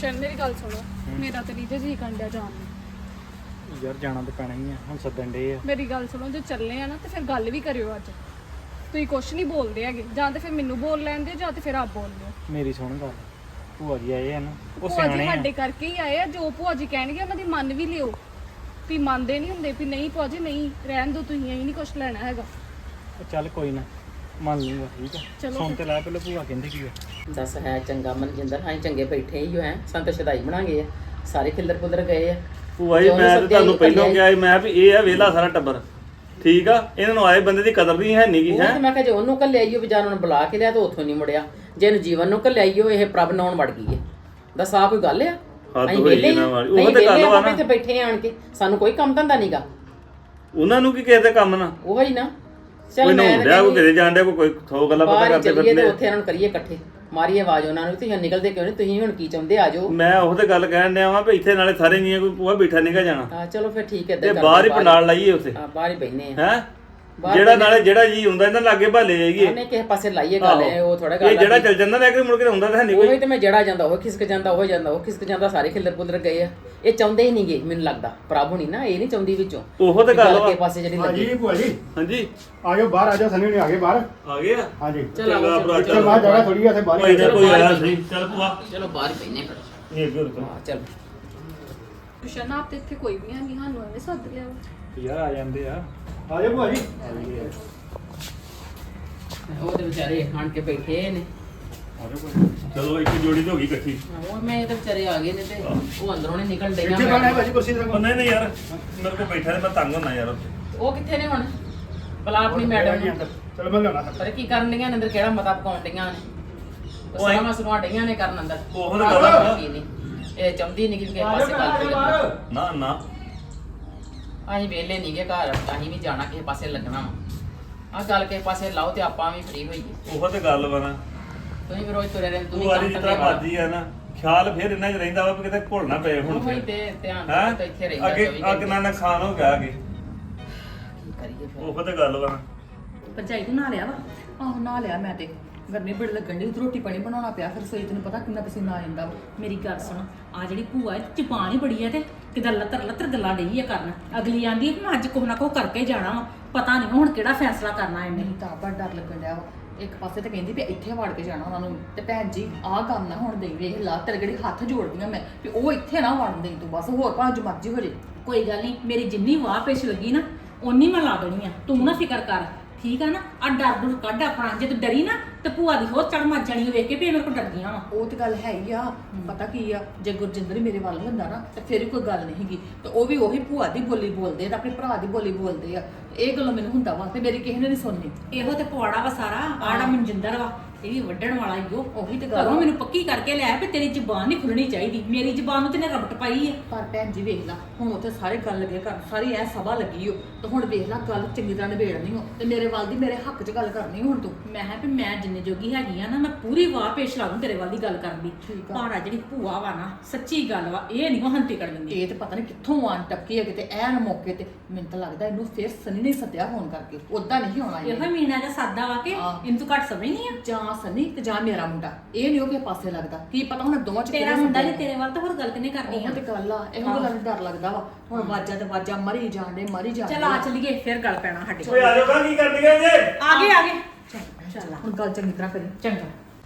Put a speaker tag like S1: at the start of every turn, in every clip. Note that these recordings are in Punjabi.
S1: ਗੁਸ਼ਨ ਮੇਰੀ ਗੱਲ ਸੁਣੋ ਮੇਰਾ ਤੇ ਰੀਜਾ ਜੀ ਕੰਡਿਆ ਜਾਣ ਨੂੰ
S2: ਯਾਰ ਜਾਣਾ ਤਾਂ ਪੈਣਾ ਹੀ ਆ ਹੁਣ ਸੱਦਣ ਡੇ ਆ
S1: ਮੇਰੀ ਗੱਲ ਸੁਣੋ ਜੇ ਚੱਲੇ ਆ ਨਾ ਤੇ ਫਿਰ ਗੱਲ ਵੀ ਕਰਿਓ ਅੱਜ ਤੁਸੀਂ ਕੁਛ ਨਹੀਂ ਬੋਲਦੇ ਹੈਗੇ ਜਾਂ ਤੇ ਫਿਰ ਮੈਨੂੰ ਬੋਲ ਲੈਂਦੇ ਜਾਂ ਤੇ ਫਿਰ ਆਪ ਬੋਲ ਲਿਓ
S2: ਮੇਰੀ ਸੁਣ ਗੱਲ ਭੂਆ ਜੀ ਆਏ ਆ ਨਾ ਉਹ
S1: ਭੂਆ ਜੀ
S2: ਸਿਆਣੇ ਆ
S1: ਸਾਡੇ ਕਰਕੇ ਹੀ ਆਏ ਆ ਜੋ ਭੂਆ ਜੀ ਕਹਿਣਗੇ ਉਹਨਾਂ ਦੀ ਮੰਨ ਵੀ ਲਿਓ ਵੀ ਮੰਨਦੇ ਨਹੀਂ ਹੁੰਦੇ ਵੀ ਨਹੀਂ ਭੂਆ ਜੀ ਨਹੀਂ ਰਹਿਣ ਦੋ ਤੁਸੀਂ ਅਸੀਂ ਨਹੀਂ ਕੁਛ ਲੈਣਾ ਹੈਗਾ
S2: ਉਹ ਚੱਲ ਕੋਈ ਨਾ ਮੰਨ ਲੂੰਗਾ ਠੀਕ ਆ
S1: ਚਲੋ
S2: ਸੁਣ ਤੇ ਲੈ ਪਹਿਲਾਂ ਭੂਆ ਕਹਿੰਦੀ ਕੀ ਆ
S3: ਦੱਸ ਹੈ ਚੰਗਾ ਮਨਜਿੰਦਰ ਹਾਂ ਚੰਗੇ ਬੈਠੇ ਹੀ ਹੋ ਹੈ ਸੰਤ ਸ਼ਦਾਈ ਬਣਾ ਗਏ ਆ ਸਾਰੇ ਖਿੱਲਰ ਪੁੱਲਰ ਗਏ ਆ
S4: ਭੂਆ ਜੀ ਮੈਂ ਤਾਂ ਤੁਹਾਨੂੰ ਪਹਿਲਾਂ ਕਿਹਾ ਸੀ ਮੈਂ ਵੀ ਇਹ ਆ ਵੇਲਾ ਸਾਰਾ ਟੱਬਰ ਠੀਕ ਆ ਇਹਨਾਂ ਨੂੰ ਆਏ ਬੰਦੇ ਦੀ ਕਦਰ ਨਹੀਂ ਹੈ ਨੀ ਗੀ
S3: ਉਹ
S4: ਹੈ
S3: ਤੇ ਮੈਂ ਕਿਹਾ ਜੇ ਉਹਨੂੰ ਕੱਲੇ ਆਈਓ ਵਿਚਾਰ ਨੂੰ ਬੁਲਾ ਕੇ ਲਿਆ ਤਾਂ ਉੱਥੋਂ ਨਹੀਂ ਮੁੜਿਆ ਜੇ ਇਹਨੂੰ ਜੀਵਨ ਨੂੰ ਕੱਲੇ ਆਈਓ ਇਹ ਪ੍ਰਭ ਨਾਉਣ ਵੜ ਗਈ ਹੈ ਦੱਸ ਆ ਕੋਈ ਗੱਲ ਆ
S4: ਹੱਦ ਹੋਈ ਇਹਨਾਂ ਵਾਲੀ ਉਹ ਤੇ ਗੱਲ ਵਾ ਨਾ
S3: ਇੱਥੇ ਬੈਠੇ ਆਣ ਕੇ ਸਾਨੂੰ ਕੋਈ ਕੰਮ ਧੰਦਾ ਨਹੀਂਗਾ
S4: ਉਹਨਾਂ ਨੂੰ ਕੀ ਕਿਸੇ ਦੇ ਕੰਮ ਨਾ
S3: ਉਹ ਹੀ ਨਾ
S4: ਕੋਈ
S3: ਚੱਲ ਮੈਂ
S4: ਨਹਾਉਣ ਡਿਆ ਕੋਈ ਕਿਤੇ ਜਾਣ ਡਿਆ ਕੋਈ ਥੋ ਗੱਲਾਂ ਪਤਾ
S3: ਬਾਹਰ
S4: ਕਰਦੇ
S3: ਚੱਲੀਏ ਤੇ
S4: ਫਿਰਦੇ
S3: ਉੱਥੇ ਇਹਨਾਂ ਨੂੰ ਕਰੀਏ ਇਕੱਠੇ ਮਾਰੀਏ ਆਵਾਜ਼ ਉਹਨਾਂ ਨੂੰ ਤੁਸੀਂ ਨਿਕਲਦੇ ਕਿਉਂ ਨਹੀਂ ਤੁਸੀਂ ਹੁਣ ਕੀ ਚਾਹੁੰਦੇ ਆ ਜਾਓ
S4: ਮੈਂ ਉਹ ਤੇ ਗੱਲ ਕਹਿਣ ਡਿਆ ਵਾਂ ਵੀ ਇੱਥੇ ਨਾਲੇ ਸਾਰੇ ਨਹੀਂ ਕੋਈ ਭੂਆ ਬੈਠਾ ਨਹੀਂਗਾ ਜਾਣਾ
S3: ਹਾਂ ਚਲੋ ਫਿਰ ਠੀਕ ਹੈ
S4: ਤੇ ਬਾਹਰ ਹੀ ਪੰਡਾਲ ਲਾਈਏ ਉੱਥੇ
S3: ਬਾਹਰ ਹੀ ਬੈਠਨੇ ਆ
S4: ਹੈ ਜਿਹੜਾ ਨਾਲੇ ਜਿਹੜਾ ਜੀ ਹੁੰਦਾ ਇਹਨਾਂ ਲਾਗੇ ਭਾਲੇ ਜਾਈਏ
S3: ਉਹਨੇ ਕਿਸੇ ਪਾਸੇ ਲਾਈਏ ਗੱਲ ਹੈ ਉਹ ਥੋੜਾ ਗੱਲ
S4: ਇਹ ਜਿਹੜਾ ਚੱਲ ਜਾਂਦਾ ਲੈ ਕੇ ਮੁੜ ਕੇ ਹੁੰਦਾ ਤਾਂ ਹੈ ਨਹੀਂ ਕੋਈ
S3: ਉਹੀ ਤੇ ਮੈਂ ਜੜਾ ਜਾਂਦਾ ਉਹ ਖਿਸਕ ਜਾਂਦਾ ਉਹ ਜਾਂਦਾ ਉਹ ਖਿਸਕ ਜਾਂਦਾ ਸਾਰੇ ਖਿੱਲਰ ਪੁੱਲਰ ਗਏ ਆ ਇਹ ਚਾਹੁੰਦੇ ਹੀ ਨਹੀਂਗੇ ਮੈਨੂੰ ਲੱਗਦਾ ਪ੍ਰਭ ਹੁਣੀ ਨਾ ਇਹ ਨਹੀਂ ਚਾਹੁੰਦੀ ਵਿੱਚੋਂ
S4: ਉਹੋ ਤੇ ਗੱਲ ਵਾ
S3: ਕੇ ਪਾਸੇ ਜਿਹੜੀ ਲੱਗੀ
S5: ਜੀ ਭੂਆ ਜੀ
S4: ਹਾਂਜੀ
S5: ਆ ਜਾਓ ਬਾਹਰ ਆ ਜਾਓ ਸਨੀ ਨੇ ਆ ਗਏ ਬਾਹਰ
S4: ਆ ਗਏ ਆ
S5: ਹਾਂਜੀ
S3: ਚਲੋ
S4: ਚੰਗਾ ਭਰਾ
S5: ਇੱਥੇ ਬਾਹਰ ਜਗ੍ਹਾ ਥੋੜੀ ਆ ਇੱਥੇ ਬਾਹਰ
S4: ਕੋਈ
S5: ਹੀ
S4: ਨਾ
S5: ਆ
S4: ਕੋਈ ਆਇਆ ਸਹੀ ਚੱਲ ਭੂਆ
S3: ਚਲੋ ਬਾਹਰ ਹੀ ਪੈਨੇ ਫਿਰ
S4: ਇਹ ਅੱਗੇ ਰੁਕੋ
S3: ਹਾਂ ਚਲ
S1: ਗੁਸ਼ਨ ਆਪ ਤੇ ਇੱਥੇ ਕੋਈ ਵੀ ਨਹੀਂ ਸਾਨੂੰ ਐਵੇਂ ਸੱਦ ਲਿਆ
S2: ਯਾਰ ਆ ਜਾਂਦੇ ਆ
S5: ਆ ਜਾਓ ਭੂਆ ਜੀ
S3: ਉਹ ਤੇ ਵਿਚਾਰੇ ਖਾਣ ਕੇ ਬੈਠੇ ਨੇ
S4: ਚਲੋ ਇੱਕ ਜੋੜੀ ਤਾਂ ਹੋ ਗਈ ਇਕੱਠੀ
S3: ਉਹ ਮੈਂ ਇਹ ਤੇ ਵਿਚਾਰੇ ਆ ਗਏ ਨੇ ਤੇ ਉਹ ਅੰਦਰੋਂ ਨੇ ਨਿਕਲ
S5: ਇੱਥੇ
S3: ਡਈਆਂ
S5: ਬੈਠਾ ਹੈ ਭਾਜੀ ਕੁਰਸੀ ਤੇ
S4: ਉਹ ਨਹੀਂ ਨਹੀਂ ਯਾਰ ਮੇਰੇ ਕੋਲ ਬੈਠਾ ਤੇ ਮੈਂ ਤੰਗ ਹੁੰਦਾ ਯਾਰ
S3: ਉਹ ਕਿੱਥੇ ਨੇ ਹੁਣ ਭਲਾ ਆਪਣੀ ਮੈਡਮ ਨੂੰ
S5: ਚਲੋ ਮੈਂ ਲਿਆਉਣਾ
S3: ਪਰ ਕੀ ਕਰਨ ਡੀਆਂ ਨੇ ਅੰਦਰ ਕਿਹੜਾ ਮਤਾ ਪਕਾਉਣ ਡੀਆਂ ਨੇ ਉਹ ਸਾਰਾ ਮਸਲੂਆਂ ਡਈਆਂ ਨੇ ਕਰਨ ਅੰਦਰ
S4: ਉਹ ਤਾਂ ਗੱਲ ਆ।
S3: ਇਹ ਚਾਹੁੰਦੀ ਨਹੀਂ ਕਿ ਕਿਸੇ ਪਾਸੇ ਗੱਲ ਕਰੀਏ
S4: ਨਾ ਨਾ
S3: ਅਸੀਂ ਵਿਹਲੇ ਨਹੀਂ ਗਏ ਘਰ ਅਸੀਂ ਵੀ ਜਾਣਾ ਕਿਸੇ ਪਾਸੇ ਲੱਗਣਾ ਵਾ ਆ ਗੱਲ ਕਿਸੇ ਪਾਸੇ ਲਾਓ ਤੇ ਆਪਾਂ ਵੀ ਫ੍ਰੀ ਹੋਈਏ
S4: ਉਹ ਤੇ ਗੱਲ ਵਾ ਨਾ
S3: ਤੁਸੀਂ ਵੀ ਰੋਜ਼ ਤੁਰੇ ਰਹਿੰਦੇ
S4: ਤੂੰ
S3: ਤੁਸੀਂ
S4: ਵਾਲੀ
S3: ਕੰਮ
S4: ਜਿਸ
S3: ਕਰਦੇ
S4: ਤਰ੍ਹਾਂ ਮਰਜੀ ਆ ਨਾ ਖਿਆਲ ਫਿਰ ਇਹਨਾਂ 'ਚ ਰਹਿੰਦਾ ਵਾ ਵੀ ਕਿਤੇ ਭੁੱਲ ਨਾ ਪਏ ਹੁਣ
S3: ਉਹੀ
S4: ਫਿਰ
S3: ਤੇ ਧਿਆਨ
S4: ਹੈ
S3: ਤਾਂ ਇੱਥੇ ਰਹਿੰਦਾ
S4: ਅੱਗੇ
S3: 24
S4: ਅੱਗ ਨਾਲ ਨੁਕਸਾਨ ਹੋ ਗਿਆ ਅੱਗੇ
S3: ਕੀ ਕਰੀਏ ਫਿਰ
S4: ਉਹ ਤੇ ਗੱਲ ਵਾ ਨਾ
S6: ਭਰਜਾਈ ਤੂੰ ਨਹਾ ਲਿਆ ਵਾ ਆਹੋ ਨਹਾ ਲਿਆ ਮੈਂ ਤੇ ਗਰਮੀ ਬੜੀ ਲੱਗਣ ਦੀ ਰੋਟੀ ਪਾਣੀ ਬਣਾਉਣਾ ਪਿਆ ਫਿਰ ਸੋਈ ਤੈਨੂੰ ਪਤਾ ਕਿੰਨਾ ਪਸੀਨਾ ਆ ਜਾਂਦਾ ਵਾ
S7: ਮੇਰੀ ਗੱਲ ਸੁਣ ਆ ਜਿਹੜੀ ਭੂਆ ਜ਼ਬਾਨ ਹੀ ਬੜੀ ਹੈ ਤੇ ਕਿਦਾਂ ਲੱਤਰ ਲੱਤਰ ਗੱਲਾਂ ਡਈ ਆ ਕਰਨ ਅਗਲੀ ਆਂਦੀ ਕਿ ਮੈਂ ਅੱਜ ਕੁਛ ਨਾ ਕੁਛ ਕਰਕੇ ਜਾਣਾ ਵਾ ਪਤਾ ਨਹੀਂ ਹੁਣ ਕਿਹੜਾ ਫੈਸਲਾ ਕਰਨਾ ਇਹਨੇ
S6: ਮੈਨੂੰ ਤਾਂ ਬੜਾ ਡਰ ਲੱਗਣ ਡਿਆ ਵਾ ਇੱਕ ਪਾਸੇ ਤੇ ਕਹਿੰਦੀ ਵੀ ਇੱਥੇ ਵੜ ਕੇ ਜਾਣਾ ਉਹਨਾਂ ਨੂੰ ਤੇ ਭੈਣ ਜੀ ਆਹ ਕੰਮ ਨਾ ਹੁਣ ਦੇਈ ਵੇਖ ਲਾ ਤੇਰੇ ਜਿਹੜੇ ਹੱਥ ਜੋੜਦੀਆਂ ਮੈਂ ਵੀ ਉਹ ਇੱਥੇ ਨਾ ਵੜਨ ਦੇਈ ਤੂੰ ਬਸ ਹੋਰ ਭਾਵੇਂ ਜੋ ਮਰਜ਼ੀ ਹੋ ਜੇ
S7: ਕੋਈ ਗੱਲ ਨਹੀਂ ਮੇਰੀ ਜਿੰਨੀ ਵਾਹ ਪੇਸ਼ ਲੱਗੀ ਨਾ ਓਨੀ ਮੈਂ ਲਾ ਦੇਣੀ ਆ ਤੂੰ ਨਾ ਫਿਕਰ ਕਰ ਠੀਕ ਆ ਨਾ ਆ ਡਰ ਡਰ ਕੱਢ ਆਪਣਾ ਜੇ ਤੂੰ ਡਰੀ ਨਾ ਤੇ ਭੂਆ ਦੀ ਹੋਰ ਚੜ ਮੱਚ ਜਾਣੀ ਵੇਖ ਕੇ ਵੀ ਇਹ ਮੇਰੇ ਕੋਲ ਡਰਦੀਆਂ ਵਾ
S6: ਉਹ ਤੇ ਗੱਲ ਹੈ ਹੀ ਆ ਪਤਾ ਕੀ ਆ ਜੇ ਗੁਰਜਿੰਦਰ ਹੀ ਮੇਰੇ ਵੱਲ ਹੁੰਦਾ ਨਾ ਤੇ ਫਿਰ ਵੀ ਕੋਈ ਗੱਲ ਨਹੀਂ ਹੈਗੀ ਤੇ ਉਹ ਵੀ ਉਹੀ ਭੂਆ ਦੀ ਬੋਲੀ ਬੋਲਦੇ ਆ ਤੇ ਆਪਣੇ ਭਰਾ ਦੀ ਬੋਲੀ ਬੋਲਦੇ ਆ ਇਹ ਗੱਲੋਂ ਮੈਨੂੰ ਹੁੰਦਾ ਵਾ ਤੇ ਮੇਰੀ ਕਿਸੇ ਨੇ ਨਹੀਂ ਸੁਣਨੀ
S7: ਇਹੋ ਤੇ ਪਵਾੜਾ ਵਾ ਸਾਰਾ ਆੜਾ ਮਨਜਿੰਦਰ ਵਾ ਇਹ ਵੀ ਵੱਢਣ ਵਾਲਾ ਈ ਓ
S6: ਉਹੀ ਤੇ ਗੱਲ
S7: ਘਰੋਂ
S6: ਆ।
S7: ਮੈਨੂੰ ਪੱਕੀ ਕਰਕੇ ਲਿਆ ਵੀ ਤੇਰੀ ਜ਼ਬਾਨ ਨਹੀਂ ਖੁੱਲਣੀ ਚਾਹੀਦੀ ਮੇਰੀ ਜ਼ਬਾਨ ਨੂੰ ਤੇ ਨੇ ਰਬਟ ਪਾਈ ਹੈ
S6: ਪਰ ਭੈਣ ਜੀ ਵੇਖ ਲਾ ਹੁਣ ਉੱਥੇ ਸਾਰੇ ਗੱਲ ਲੱਗੇ ਕਰ ਸਾਰੀ ਐ ਸਭਾ ਲੱਗੀ ਓ ਤੇ ਹੁਣ ਵੇਖ ਲਾ ਗੱਲ ਚੰਗੀ ਤਰ੍ਹਾਂ ਨਿਬੇੜਨੀ ਓ ਤੇ ਮੇਰੇ ਵੱਲ ਦੀ ਮੇਰੇ ਹੱਕ 'ਚ ਗੱਲ ਕਰਨੀ ਹੁਣ ਤੂੰ
S7: ਮੈਂ ਕਿਹਾ ਵੀ ਮੈਂ ਜਿੰਨੇ ਜੋਗੀ ਹੈਗੀ ਆ ਨਾ ਮੈਂ ਪੂਰੀ ਵਾਹ ਪੇਸ਼ ਲਾ ਦੂੰ ਤੇਰੇ ਵੱਲ ਦੀ ਗੱਲ ਕਰਨ ਦੀ
S6: ਠੀਕ ਆ।
S7: ਪਰ ਆ ਜਿਹੜੀ ਭੂਆ ਵਾ ਨਾ ਸੱਚੀ ਗੱਲ ਵਾ ਇਹ ਨਹੀਂ ਉਹ ਹੰਤੀ ਕਰ ਦਿੰਦੀ
S6: ਇਹ ਤੇ ਪਤਾ ਨਹੀਂ ਕਿੱਥੋਂ ਆਣ ਟੱਕੀ ਹੈ ਕਿਤੇ ਐਨ ਮੌਕੇ ਤੇ ਮੈਨੂੰ ਤਾਂ ਲੱਗਦਾ ਇਹਨੂੰ ਫੇਰ ਸਨੀ ਨੇ ਸੱਦਿਆ ਫੋਨ ਕਰਕੇ ਉਦਾਂ ਨਹੀਂ ਹੋਣਾ
S7: ਇਹੋ ਮਹੀਨਾ ਜਿਹਾ ਸਾਦਾ ਵਾ ਕਿ
S6: ਹਾਂ।
S7: ਇਹਨੂੰ ਤੂੰ ਘੱਟ ਸਮਝ ਨਹੀਂ ਆ
S6: ਜਾਂ ਸਨੀ ਤੇ ਜਾਂ ਮੇਰਾ ਮੁੰਡਾ ਇਹ ਨਹੀਂ ਉਹ ਕਿਸੇ ਪਾਸੇ ਲੱਗਦਾ ਕੀ ਪਤਾ ਹੁਣ ਦੋਵਾਂ ਚ
S7: ਤੇਰਾ
S6: ਕਿਹੜਾ
S7: ਮੁੰਡਾ
S6: ਸੱਦਿਆ।
S7: ਨਹੀਂ ਤੇਰੇ ਵੱਲ ਤਾਂ ਹੋਰ ਗੱਲ ਕਿਨੇ ਕਰਨੀ
S6: ਉਹ
S7: ਆ
S6: ਤੇ ਗੱਲ ਆ ਇਹੋ ਗੱਲਾਂ ਦਾ ਡਰ ਲੱਗਦਾ ਵਾ ਹੁਣ ਵਾਜਾ ਤੇ ਵਾਜਾ ਮਰੀ ਜਾਂਦੇ ਮਰੀ ਜਾਂਦੇ
S7: ਚਲ ਆ ਚਲੀਏ ਫਿਰ ਗੱਲ ਪੈਣਾ ਸਾਡੇ
S4: ਓਏ ਆ ਜਾਓ ਕੀ ਕਰਨੀ ਗਏ ਜੇ
S7: ਆ ਗਏ ਚੱਲ
S6: ਹੁਣ ਗੱਲ ਚੰਗੀ ਤਰ੍ਹਾਂ ਕਰੀ
S7: ਚੰਗਾ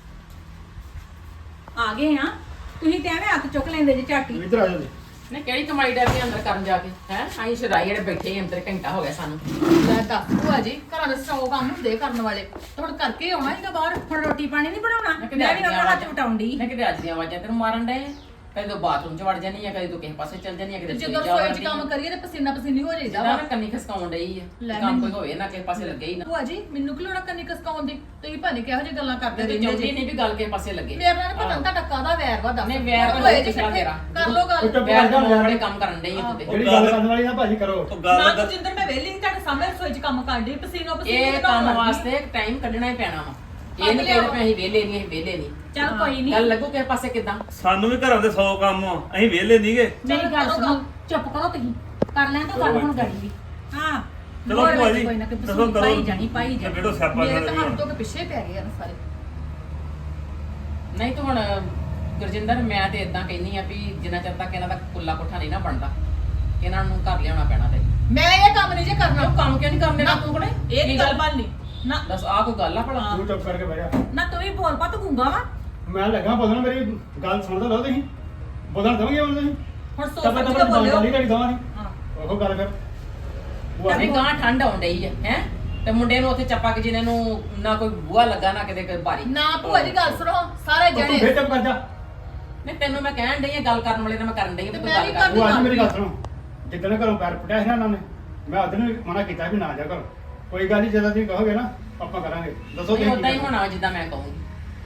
S7: ਆ ਗਏ ਆ ਤੁਸੀਂ ਤੇ ਐਵੇਂ ਹੱਥ ਚੁੱਕ ਲੈਂਦੇ ਜੇ ਝਾਟੀ
S5: ਇੱਧਰ ਆ ਜਾਓ ਜੀ
S3: ਨੇ ਕਿਹੜੀ ਕਮਾਈ ਡਰਦੀ ਅੰਦਰ ਕਰਨ ਜਾ ਕੇ ਹੈ ਅਸੀਂ ਸ਼ਰਾਈ ਜਿਹੜੇ ਬੈਠੇ ਹੀ ਅੰਦਰ ਘੰਟਾ ਹੋ ਗਿਆ ਸਾਨੂੰ
S6: ਲੈ ਦੱਸ ਭੂਆ ਜੀ ਘਰਾਂ ਦੇ 100 ਕੰਮ ਹੁੰਦੇ ਕਰਨ ਵਾਲੇ ਤੇ ਹੁਣ ਕਰਕੇ ਆਉਣਾ ਹੀਗਾ ਬਾਹਰ
S7: ਹੁਣ ਰੋਟੀ ਪਾਣੀ ਨਹੀਂ ਬਣਾਉਣਾ ਮੈਂ ਵੀ ਉਹਨਾਂ ਹੱਥ ਵਟਾਉਂਦੀ
S3: ਮੈਂ ਕਿਤੇ ਅੱਜ ਦੀਆਂ ਆਵਾਜ਼ਾਂ ਤੈਨੂੰ ਮਾਰਨ ਡਏ ਕਦੇ ਤੂੰ ਬਾਥਰੂਮ 'ਚ ਵੜ ਜਾਨੀ ਆ ਕਦੇ ਤੂੰ ਕਿਸੇ ਪਾਸੇ ਚੱਲ ਜਾਨੀ ਆ
S6: ਤੇ
S3: ਕਦੇ
S6: ਜਦੋਂ ਰਸੋਈ 'ਚ ਕੰਮ ਕਰੀਏ ਤੇ ਪਸੀਨਾ ਪਸੀਨੀ ਹੋ ਜਾਈਦਾ ਵਾ
S3: ਨਾ ਕੰਨੀ ਖਸਕਾਉਣ ਡਈ ਆ
S6: ਲੈ
S3: ਕੰਮ ਕੋਈ
S6: ਮੈਨੂੰ-
S3: ਹੋਵੇ ਨਾ ਕਿਸੇ ਪਾਸੇ ਲੱਗੇ ਹੀ ਨਾ
S6: ਭੂਆ ਜੀ ਮੈਨੂੰ ਕਿ ਲੋੜਾ ਕੰਨੀ ਕਸਕਾਉਣ ਦੀ ਤੁਸੀਂ ਭਾਵੇਂ ਕਿਹੋ ਜਿਹੀ ਗੱਲਾਂ ਕਰਦੇ
S3: ਤੇ
S6: ਰਹਿੰਦੇ
S3: ਚਾਹੁੰਦੀ
S6: ਜੀ
S3: ਨਹੀਂ ਵੀ ਗੱਲ ਕਿਸੇ ਪਾਸੇ ਲੱਗੇ
S6: ਮੇਰੇ ਨਾਲ ਪਤਾ ਨੀ ਤੁਹਾਡਾ ਕਾਹਦਾ ਵੈਰ ਵਾ ਦੱਸ
S3: ਨਹੀਂ, ਵੈਰ ਤਾਂ
S6: ਹੋਏ
S3: ਨਹੀਂ
S6: ਜੀ
S3: ਪਿਛਲਾ
S6: ਇਕੱਠੇ,
S3: ਤੇਰਾ।
S6: ਕਰ ਲੋ ਗੱਲ
S5: ਚੁੱਪ
S3: ਬੈਠ
S5: ਕਰ ਜਾ
S3: ਬੜੇ ਕੰਮ ਕਰਨ ਡਈ ਆ ਤੂੰ ਤੇ
S5: ਜਿਹੜੀ ਗੱਲ ਕਰਨ ਵਾਲੀ ਨਾ ਭਾਜੀ ਕਰੋ
S4: ਉਹ
S6: ਨਾ
S4: ਗੱਲ
S6: ਜਿੰਦਰ ਮੈਂ ਵਿਹਲੀ ਨਹੀਂ ਤੁਹਾਡੇ ਸਾਹਮਣੇ ਰਸੋਈ 'ਚ ਕੰਮ ਕਰਨ ਦੀ ਪਸੀਨੋ ਪਸੀਨੀ
S3: ਇਹ ਕੰਮ ਵਾਸਤੇ ਟਾਈਮ ਕੱਢਣਾ ਹੀ ਪੈਣਾ ਵਾ ਇਹ ਨਹੀਂ ਕਹਿੰਦੇ ਵੀ ਅਸੀਂ ਵਿਹਲੇ ਨਹੀਂ ਅਸੀਂ ਵਿਹਲੇ ਨਹੀਂ
S7: ਚੱਲ ਕੋਈ ਨਹੀਂ
S3: ਗੱਲ ਲੱਗੂ ਕਿਸੇ ਪਾਸੇ ਕਿਦਾਂ
S4: ਸਾਨੂੰ ਵੀ ਘਰਾਂ ਦੇ 100 ਕੰਮ ਆ ਅਸੀਂ ਵਿਹਲੇ ਨਹੀਂਗੇ
S7: ਮੇਰੀ ਗੱਲ ਸੁਣੋ ਚੁੱਪ ਕਰੋ ਤੁਸੀਂ ਕਰ ਲੈਣ ਤੋਂ ਗੱਲ ਹੁਣ ਗੜੀ ਦੀ ਹਾਂ
S4: ਚਲੋ
S7: ਹੋਰ
S4: ਭੂਆ ਜੀ,
S7: ਕੋਈ ਨਾ ਕੋਈ
S4: ਦੱਸੋ
S7: ਬਸੂਈ
S4: ਕਰੋ।
S7: ਪਾਈ ਜਾਣੀ
S4: ਕਿਹੜੋ ਸਿਆਪਾ
S6: ਮੇਰੇ
S4: ਕਰ
S6: ਤਾਂ
S4: ਰਹੀ
S6: ਹੱਥ ਤੋਂ ਪਿੱਛੇ ਪੈ ਗਏ ਆ ਸਾਰੇ
S3: ਨਹੀਂ ਤੂੰ ਹੁਣ ਗੁਰਜਿੰਦਰ ਮੈਂ ਤੇ ਇਦਾਂ ਕਹਿੰਨੀ ਆ ਵੀ ਜਿੰਨਾ ਚਿਰ ਤੱਕ ਇਹਨਾਂ ਦਾ ਕੁੱਲਾ ਕੋਠਾ ਨਹੀਂ ਨਾ ਬਣਦਾ ਇਹਨਾਂ ਨੂੰ ਘਰ ਲਿਆਉਣਾ ਪੈਣਾ ਤੇ
S6: ਮੈਂ ਇਹ ਕੰਮ ਨਹੀਂ ਜੇ ਕਰਨਾ
S3: ਉਹ ਕੰਮ ਕਿਉਂ ਨਹੀਂ ਕਰਨ ਦੇਣਾ ਤੂੰ ਕੋਲੇ
S6: ਇਹ ਨੀ ਗੱਲ ਬਣਨੀ ਨਾ
S3: ਦੱਸ ਆਹ ਕੋਈ ਗੱਲ ਆ ਭਲਾ
S5: ਤੂੰ ਚੁੱਪ ਕਰਕੇ ਬਹਿ ਜਾ
S7: ਨਾ ਤੂੰ ਵੀ ਬੋਲ ਪਾ ਤੂੰ ਗੁੰਗਾ ਵਾ
S5: ਮੈਂ ਲੱਗਾ ਬੋਲਣ ਮੇਰੀ ਗੱਲ ਸੁਣਦਾ ਲਓ ਤੁਸੀਂ ਬੋਲਣ ਦਵਾਂਗੇ ਹੁਣ ਤੁਸੀਂ
S6: ਹੁਣ ਸੋਚ
S5: ਤਬ
S6: ਸਮਝ
S5: ਤੱਕ
S6: ਕੇ ਬੋਲਿਓ
S5: ਗੱਲ ਨਹੀਂ ਕਰੀ ਦਵਾਂਗੇ
S6: ਹਾਂ
S5: ਉਹ ਗੱਲ ਫਿਰ ਭੂਆ
S3: ਨਹੀਂ
S5: ਜੀ
S3: ਗਾਂ ਠੰਡ ਆਉਣ ਡਈ ਆ ਹੈ ਤੇ ਮੁੰਡੇ ਨੂੰ ਉੱਥੇ ਚੱਪਾ ਕੇ ਜਿਹਨੇ ਨੂੰ ਨਾ ਕੋਈ ਬੂਹਾ ਲੱਗਾ ਨਾ ਕਿਤੇ ਕੋਈ ਬਾਰੀ
S6: ਨਾ ਭੂਆ ਜੀ ਗੱਲ ਸੁਣੋ ਸਾਰੇ
S5: ਤੂੰ
S6: ਜਣੇ
S5: ਫੇਰ ਚੁੱਪ ਕਰ ਜਾ
S3: ਨਹੀਂ ਤੈਨੂੰ ਮੈਂ ਕਹਿਣ ਡਈ ਆ ਗੱਲ ਕਰਨ ਵਾਲੇ ਨਾਲ ਮੈਂ ਕਰਨ ਡਈ ਆ
S6: ਤੇ
S3: ਕੋਈ
S6: ਮੈਂ
S3: ਗੱਲ
S6: ਵੀ
S3: ਕਰ
S5: ਭੂਆ ਜੀ ਮੇਰੀ ਗੱਲ ਸੁਣੋ ਜਿੱਦਣ ਘਰੋਂ ਪੈਰ ਪੁੱਟਿਆ ਸੀ ਨਾ ਇਹਨਾਂ ਨੇ ਮੈਂ ਉਦੋਂ ਵੀ ਮਨਾ ਕੀਤਾ ਵੀ ਨਾ ਜਾ ਕਰੋ ਕੋਈ ਗੱਲ ਨਹੀਂ ਜਦੋਂ ਤੁਸੀਂ ਕਹੋਗੇ ਨਾ ਆਪਾਂ ਕਰਾਂਗੇ ਦੱਸੋ
S3: ਨਹੀਂ
S5: ਤੁਸੀਂ
S3: ਉਦਾਂ ਹੀ
S5: ਕੀ
S3: ਹੋਣਾ ਵਾ ਜਿੱਦਾਂ ਮੈਂ ਕਹੂੰਗੀ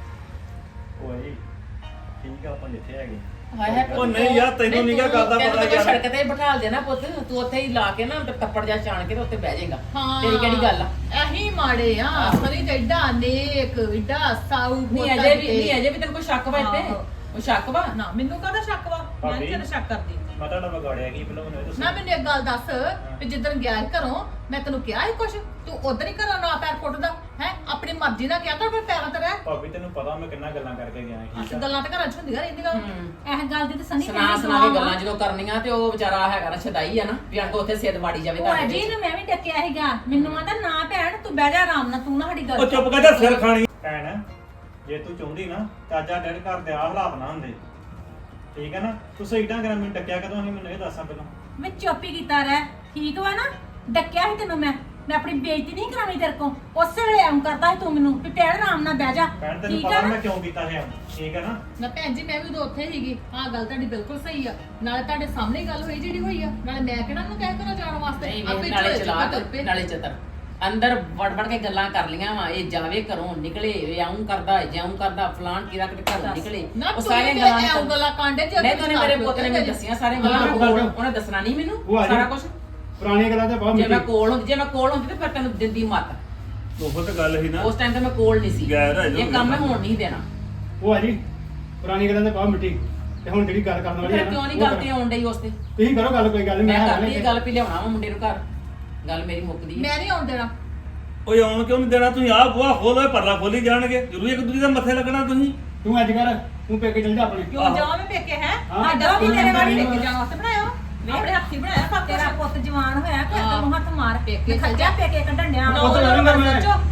S2: ਭੂਆ ਜੀ ਠੀਕ ਆ ਆਪਾਂ ਜਿੱਥੇ ਹੈਗੇ
S3: ਹਾਏ ਹਾਏ
S4: ਉਹ ਨਹੀਂ ਯਾਰ, ਤੈਨੂੰ ਨੀ ਗਾ ਗੱਲ ਦਾ ਪਤਾ ਯਾਰ।
S3: ਸੜਕ ਤੇ ਬਿਠਾ ਦੇ ਨਾ ਪੁੱਤ ਤੂੰ ਉੱਥੇ ਹੀ ਲਾ ਕੇ ਨਾ ਤੇ ਕੱਪੜ ਜਾ ਛਾਣ ਕੇ ਤੇ ਉੱਥੇ ਬਹਿ ਜਾਏਗਾ
S6: ਹਾਂ
S3: ਤੇਰੀ ਕਿਹੜੀ ਗੱਲ ਆ
S6: ਇਹੀ ਮਾੜੇ ਆ ਸਰੀ ਤੇ ਏਡਾ ਨੇਕ ਏਡਾ ਸਾਊ
S3: ਨਹੀਂ ਅਜੇ ਵੀ ਤੈਨੂੰ ਕੋਈ ਸ਼ੱਕ ਵਾ ਇੱਥੇ
S6: ਆਹੋ।
S3: ਉਹ ਸ਼ੱਕ ਵਾ
S6: ਨਾ ਮੈਨੂੰ ਕਾਹਦਾ ਸ਼ੱਕ ਵਾ ਮੈਂ ਨੀ ਤੇਰਾ ਸ਼ੱਕ ਕਰਦੀ
S2: ਮੈਂ ਤੁਹਾਡਾ ਵਿਗਾੜਿਆ ਕੀ ਪਹਿਲਾਂ ਮੈਨੂੰ ਇਹ ਦੱਸੋ
S6: ਨਾ ਮੈਨੂੰ ਇੱਕ ਗੱਲ ਦੱਸ ਵੀ ਜਿੱਦਣ ਗਿਆ ਸੀ ਘਰੋਂ ਮੈਂ ਤੈਨੂੰ ਕਿਹਾ ਸੀ ਕੁਛ ਤੂੰ ਉਧਰ ਹੀ ਘਰੋਂ ਨਾ ਪੈਰ ਪੁੱਟਦਾ ਹੈ ਆਪਣੀ ਮਰਜ਼ੀ ਨਾਲ ਕਿਹਾ ਕਰ ਫਿਰ ਪੈਰਾਂ ਤੇ ਰਹਿ
S2: ਭਾਬੀ ਤੈਨੂੰ ਪਤਾ ਮੈਂ ਕਿੰਨਾ ਗੱਲਾਂ ਕਰਕੇ ਗਿਆ ਸੀ ਠੀਕ ਆ
S6: ਗੱਲਾਂ ਤਾਂ ਘਰਾਂ 'ਚ ਹੁੰਦੀਆਂ ਰਹਿੰਦੀਆਂ
S7: ਇਹ ਗੱਲ ਦੀ ਤਾਂ ਸਨੀ
S3: ਸੁਣਾ ਸੁਣਾ ਕੇ ਗੱਲਾਂ ਜਦੋਂ ਕਰਨੀਆਂ ਤੇ ਉਹ ਵਿਚਾਰਾ ਹੈਗਾ ਨਾ ਛਦਾਈ ਆ ਨਾ ਵੀ ਆਣ ਉੱਥੇ ਸਿੱਧ ਵਾੜੀ ਜਾਵੇ
S7: ਭੂਆ
S3: ਤੁਹਾਡੇ
S7: ਜੀ
S3: ਵਿੱਚ।
S7: ਨੂੰ ਮੈਂ ਵੀ ਡੱਕਿਆ ਸੀਗਾ ਮੈਨੂੰ ਆਂਦਾ ਨਾ ਭੈਣ ਤੂੰ ਬਹਿ ਜਾ ਆਰਾਮ ਨਾਲ ਤੂੰ ਨਾ ਸਾਡੀ ਗੱਲ
S4: ਉਹ ਚੁੱਪ ਕਰ ਜਾ ਸਿਰ ਖਾਣੀ
S2: ਭੈਣ ਜੇ ਤੂੰ ਚਾਹੁੰਦੀ ਨਾ ਤਾਂ ਅੱਜ ਡੈਡ ਘਰ ਦੇ ਆਹ ਹਾਲਾਤ ਨਾ ਹੁੰਦੇ ਠੀਕ ਹੈ ਨਾ ਤੂੰ ਸਹੀ ਢੰਗ ਨਾਲ ਮੈਨੂੰ ਟੱਕਿਆ ਕਦੋਂ ਸੀ ਮੈਨੂੰ ਇਹ ਦੱਸਾਂ ਪਹਿਲਾਂ
S7: ਮੈਂ ਚੁੱਪ ਹੀ ਕੀਤਾ ਰਹਿ ਠੀਕ ਵਾ ਨਾ ਡੱਕਿਆ ਸੀ ਤੈਨੂੰ ਮੈਂ ਆਪਣੀ ਬੇਇੱਜ਼ਤੀ ਨਹੀਂ ਕਰਾਉਣੀ ਤੇਰੇ ਕੋ ਉਸੇ ਵੇਲੇ ਐਂ ਕਰਦਾ ਸੀ ਤੂੰ ਮੈਨੂੰ ਵੀ ਭੈਣ ਆਰਾਮ ਨਾਲ ਬਹਿ ਜਾ
S2: ਭੈਣ ਤੈਨੂੰ
S7: ਠੀਕ
S2: ਪਤਾ
S7: ਆ ਨਾ
S2: ਮੈਂ ਕਿਉਂ ਕੀਤਾ ਹੈ ਠੀਕ ਹੈ ਨਾ
S6: ਨਾ ਭੈਣ ਜੀ ਮੈਂ ਵੀ ਉਦੋਂ ਉੱਥੇ ਸੀਗੀ ਆਹ ਗੱਲ ਤੁਹਾਡੀ ਬਿਲਕੁਲ ਸਹੀ ਆ ਨਾਲੇ ਤੁਹਾਡੇ ਸਾਹਮਣੇ ਹੀ ਗੱਲ ਹੋਈ ਜਿਹੜੀ ਹੋਈ ਆ ਨਾਲੇ ਮੈਂ ਕਿਹੜਾ ਨੂੰ ਕਹਿ ਕਰੋ ਜਾਣ ਵਾਸਤੇ
S3: ਨਹੀਂ
S6: ਆਪੇ
S3: ਵੇਖ, ਨਾਲੇ
S6: ਝੋਲੇ ਚ
S3: ਚਲਾਕ
S6: ਤੁਰ ਪਏ।
S3: ਨਾਲੇ ਚਤਰ ਅੰਦਰ ਵੜ ਕੇ ਗੱਲਾਂ ਕਰ ਲੀਆਂ ਵਾ ਇਹ ਜਾਵੇ ਘਰੋਂ ਨਿਕਲੇ ਇਹ ਆਉਂ ਕਰਦਾ ਜਾਉਂ ਕਰਦਾ ਫਲਾਣ ਕੀ ਰੱਖ ਤੇ ਘਰੋਂ ਨਿਕਲੇ
S6: ਨਾ
S3: ਉਹ
S6: ਤੂੰ
S3: ਸਾਰੀਆਂ
S6: ਤੇ
S3: ਗੱਲਾਂ
S6: ਐਂ ਗੱਲਾਂ ਕਾਂਡੇ ਜੇ
S3: ਨਹੀਂ ਤੂੰ ਮੇਰੇ ਪੁੱਤ ਨੇ ਮੈਨੂੰ ਦੱਸੀਆਂ ਸਾਰੀਆਂ ਗੱਲਾਂ
S5: ਹਾਂ,
S3: ਕੋਲ
S5: ਹਾਂ।
S3: ਉਹਨੇ ਦੱਸਣਾ ਨਹੀਂ ਮੈਨੂੰ
S5: ਭੂਆ ਜੀ।
S3: ਸਾਰਾ ਕੁਝ
S5: ਪੁਰਾਣੀਆਂ ਗੱਲਾਂ ਤੇ ਬਹੁਤ
S3: ਜੇ ਮੈਂ
S5: ਮਿੱਟੀ
S3: ਕੋਲ ਹੁੰਦੀ ਤੇ ਫਿਰ ਤੈਨੂੰ ਦਿੰਦੀ ਮੱਤ
S4: ਉਹ ਤਾਂ ਗੱਲ ਸੀ ਨਾ
S3: ਉਸ ਟਾਈਮ ਤੇ ਮੈਂ ਕੋਲ ਨਹੀਂ ਸੀ
S4: ਗੈਰ ਹੈ ਜੋ
S3: ਇਹ ਕੰਮ ਮੈਂ ਹੋਣ ਨਹੀਂ ਦੇਣਾ
S5: ਭੂਆ ਜੀ ਪੁਰਾਣੀ ਗੱਲਾਂ ਤੇ ਬਹੁਤ ਮਿੱਟੀ ਤੇ ਹੁਣ ਜਿਹੜੀ ਗੱਲ ਕਰਨ ਵਾਲੀ
S3: ਫਿਰ
S5: ਹੈ
S3: ਕਿਉਂ
S5: ਨਾ
S3: ਨਹੀਂ
S5: ਉਹ
S3: ਗੱਲ ਤੇ
S5: ਕਰੋ।
S3: ਆਉਣ ਡਈ ਉਸ ਤੇ
S5: ਤੁਸੀਂ ਕਰੋ ਗੱਲ ਕੋਈ ਗੱਲ ਨੀ,
S3: ਮੈਂ
S5: ਹੈਗਾ
S3: ਕਰਦੀ
S5: ਨਾ
S3: ਇਹ ਗੱਲ ਵੀ ਲਿਆਉਣਾ ਵਾ ਮੁੰਡੇ ਨੂੰ ਘਰ ਗੱਲ ਮੇਰੀ ਮੁੱਕਦੀ ਹੈ
S6: ਮੈਂ ਨਹੀਂ ਆਉਣ ਦੇਣਾ
S4: ਓਏ ਆਉਣ ਕਿਉਂ ਨਹੀਂ ਦੇਣਾ ਤੁਸੀਂ ਆਹ ਬੂਹਾ ਖੋਲੋ ਪਰਲਾ ਖੋਲੀ ਜਾਣਗੇ ਜ਼ਰੂਰੀ ਇੱਕ ਦੂਜੇ ਦੇ ਮੱਥੇ ਲੱਗਣਾ ਤੁਸੀਂ
S5: ਤੂੰ ਅੱਜ ਕਰ ਤੂੰ ਪੇਕੇ ਚਲ ਜਾ ਆਪਣੇ
S6: ਕਿਉਂ ਜਾਵਾਂ ਮੈਂ ਪੇਕੇ ਹੈ
S5: ਹਾਂ।
S6: ਸਾਡਾ ਵੀ ਤੇਰੇ ਵਾਲੀ
S5: ਹਾਂ।
S6: ਪੇਕੇ ਜਾਣ ਵਾਸਤੇ ਬਣਾਇਆ ਆਪਣੇ ਹੱਥੀ ਬਣਾਇਆ ਸਭ ਕੁਛ।
S7: ਤੇਰਾ ਪੁੱਤ ਜਵਾਨ ਹੋਇਆ ਕਿ
S6: ਹਾਂ।
S7: ਤੈਨੂੰ ਹੱਥ ਮਾਰ
S6: ਪੇਕੇ
S7: ਖੱਜਾ ਪੇਕੇ ਕੱਢਣ ਡਿਆ
S5: ਉਹ ਤਾਂ ਲੜੂੰਗਾ ਮੈਂ।
S6: ਸੋਚੋ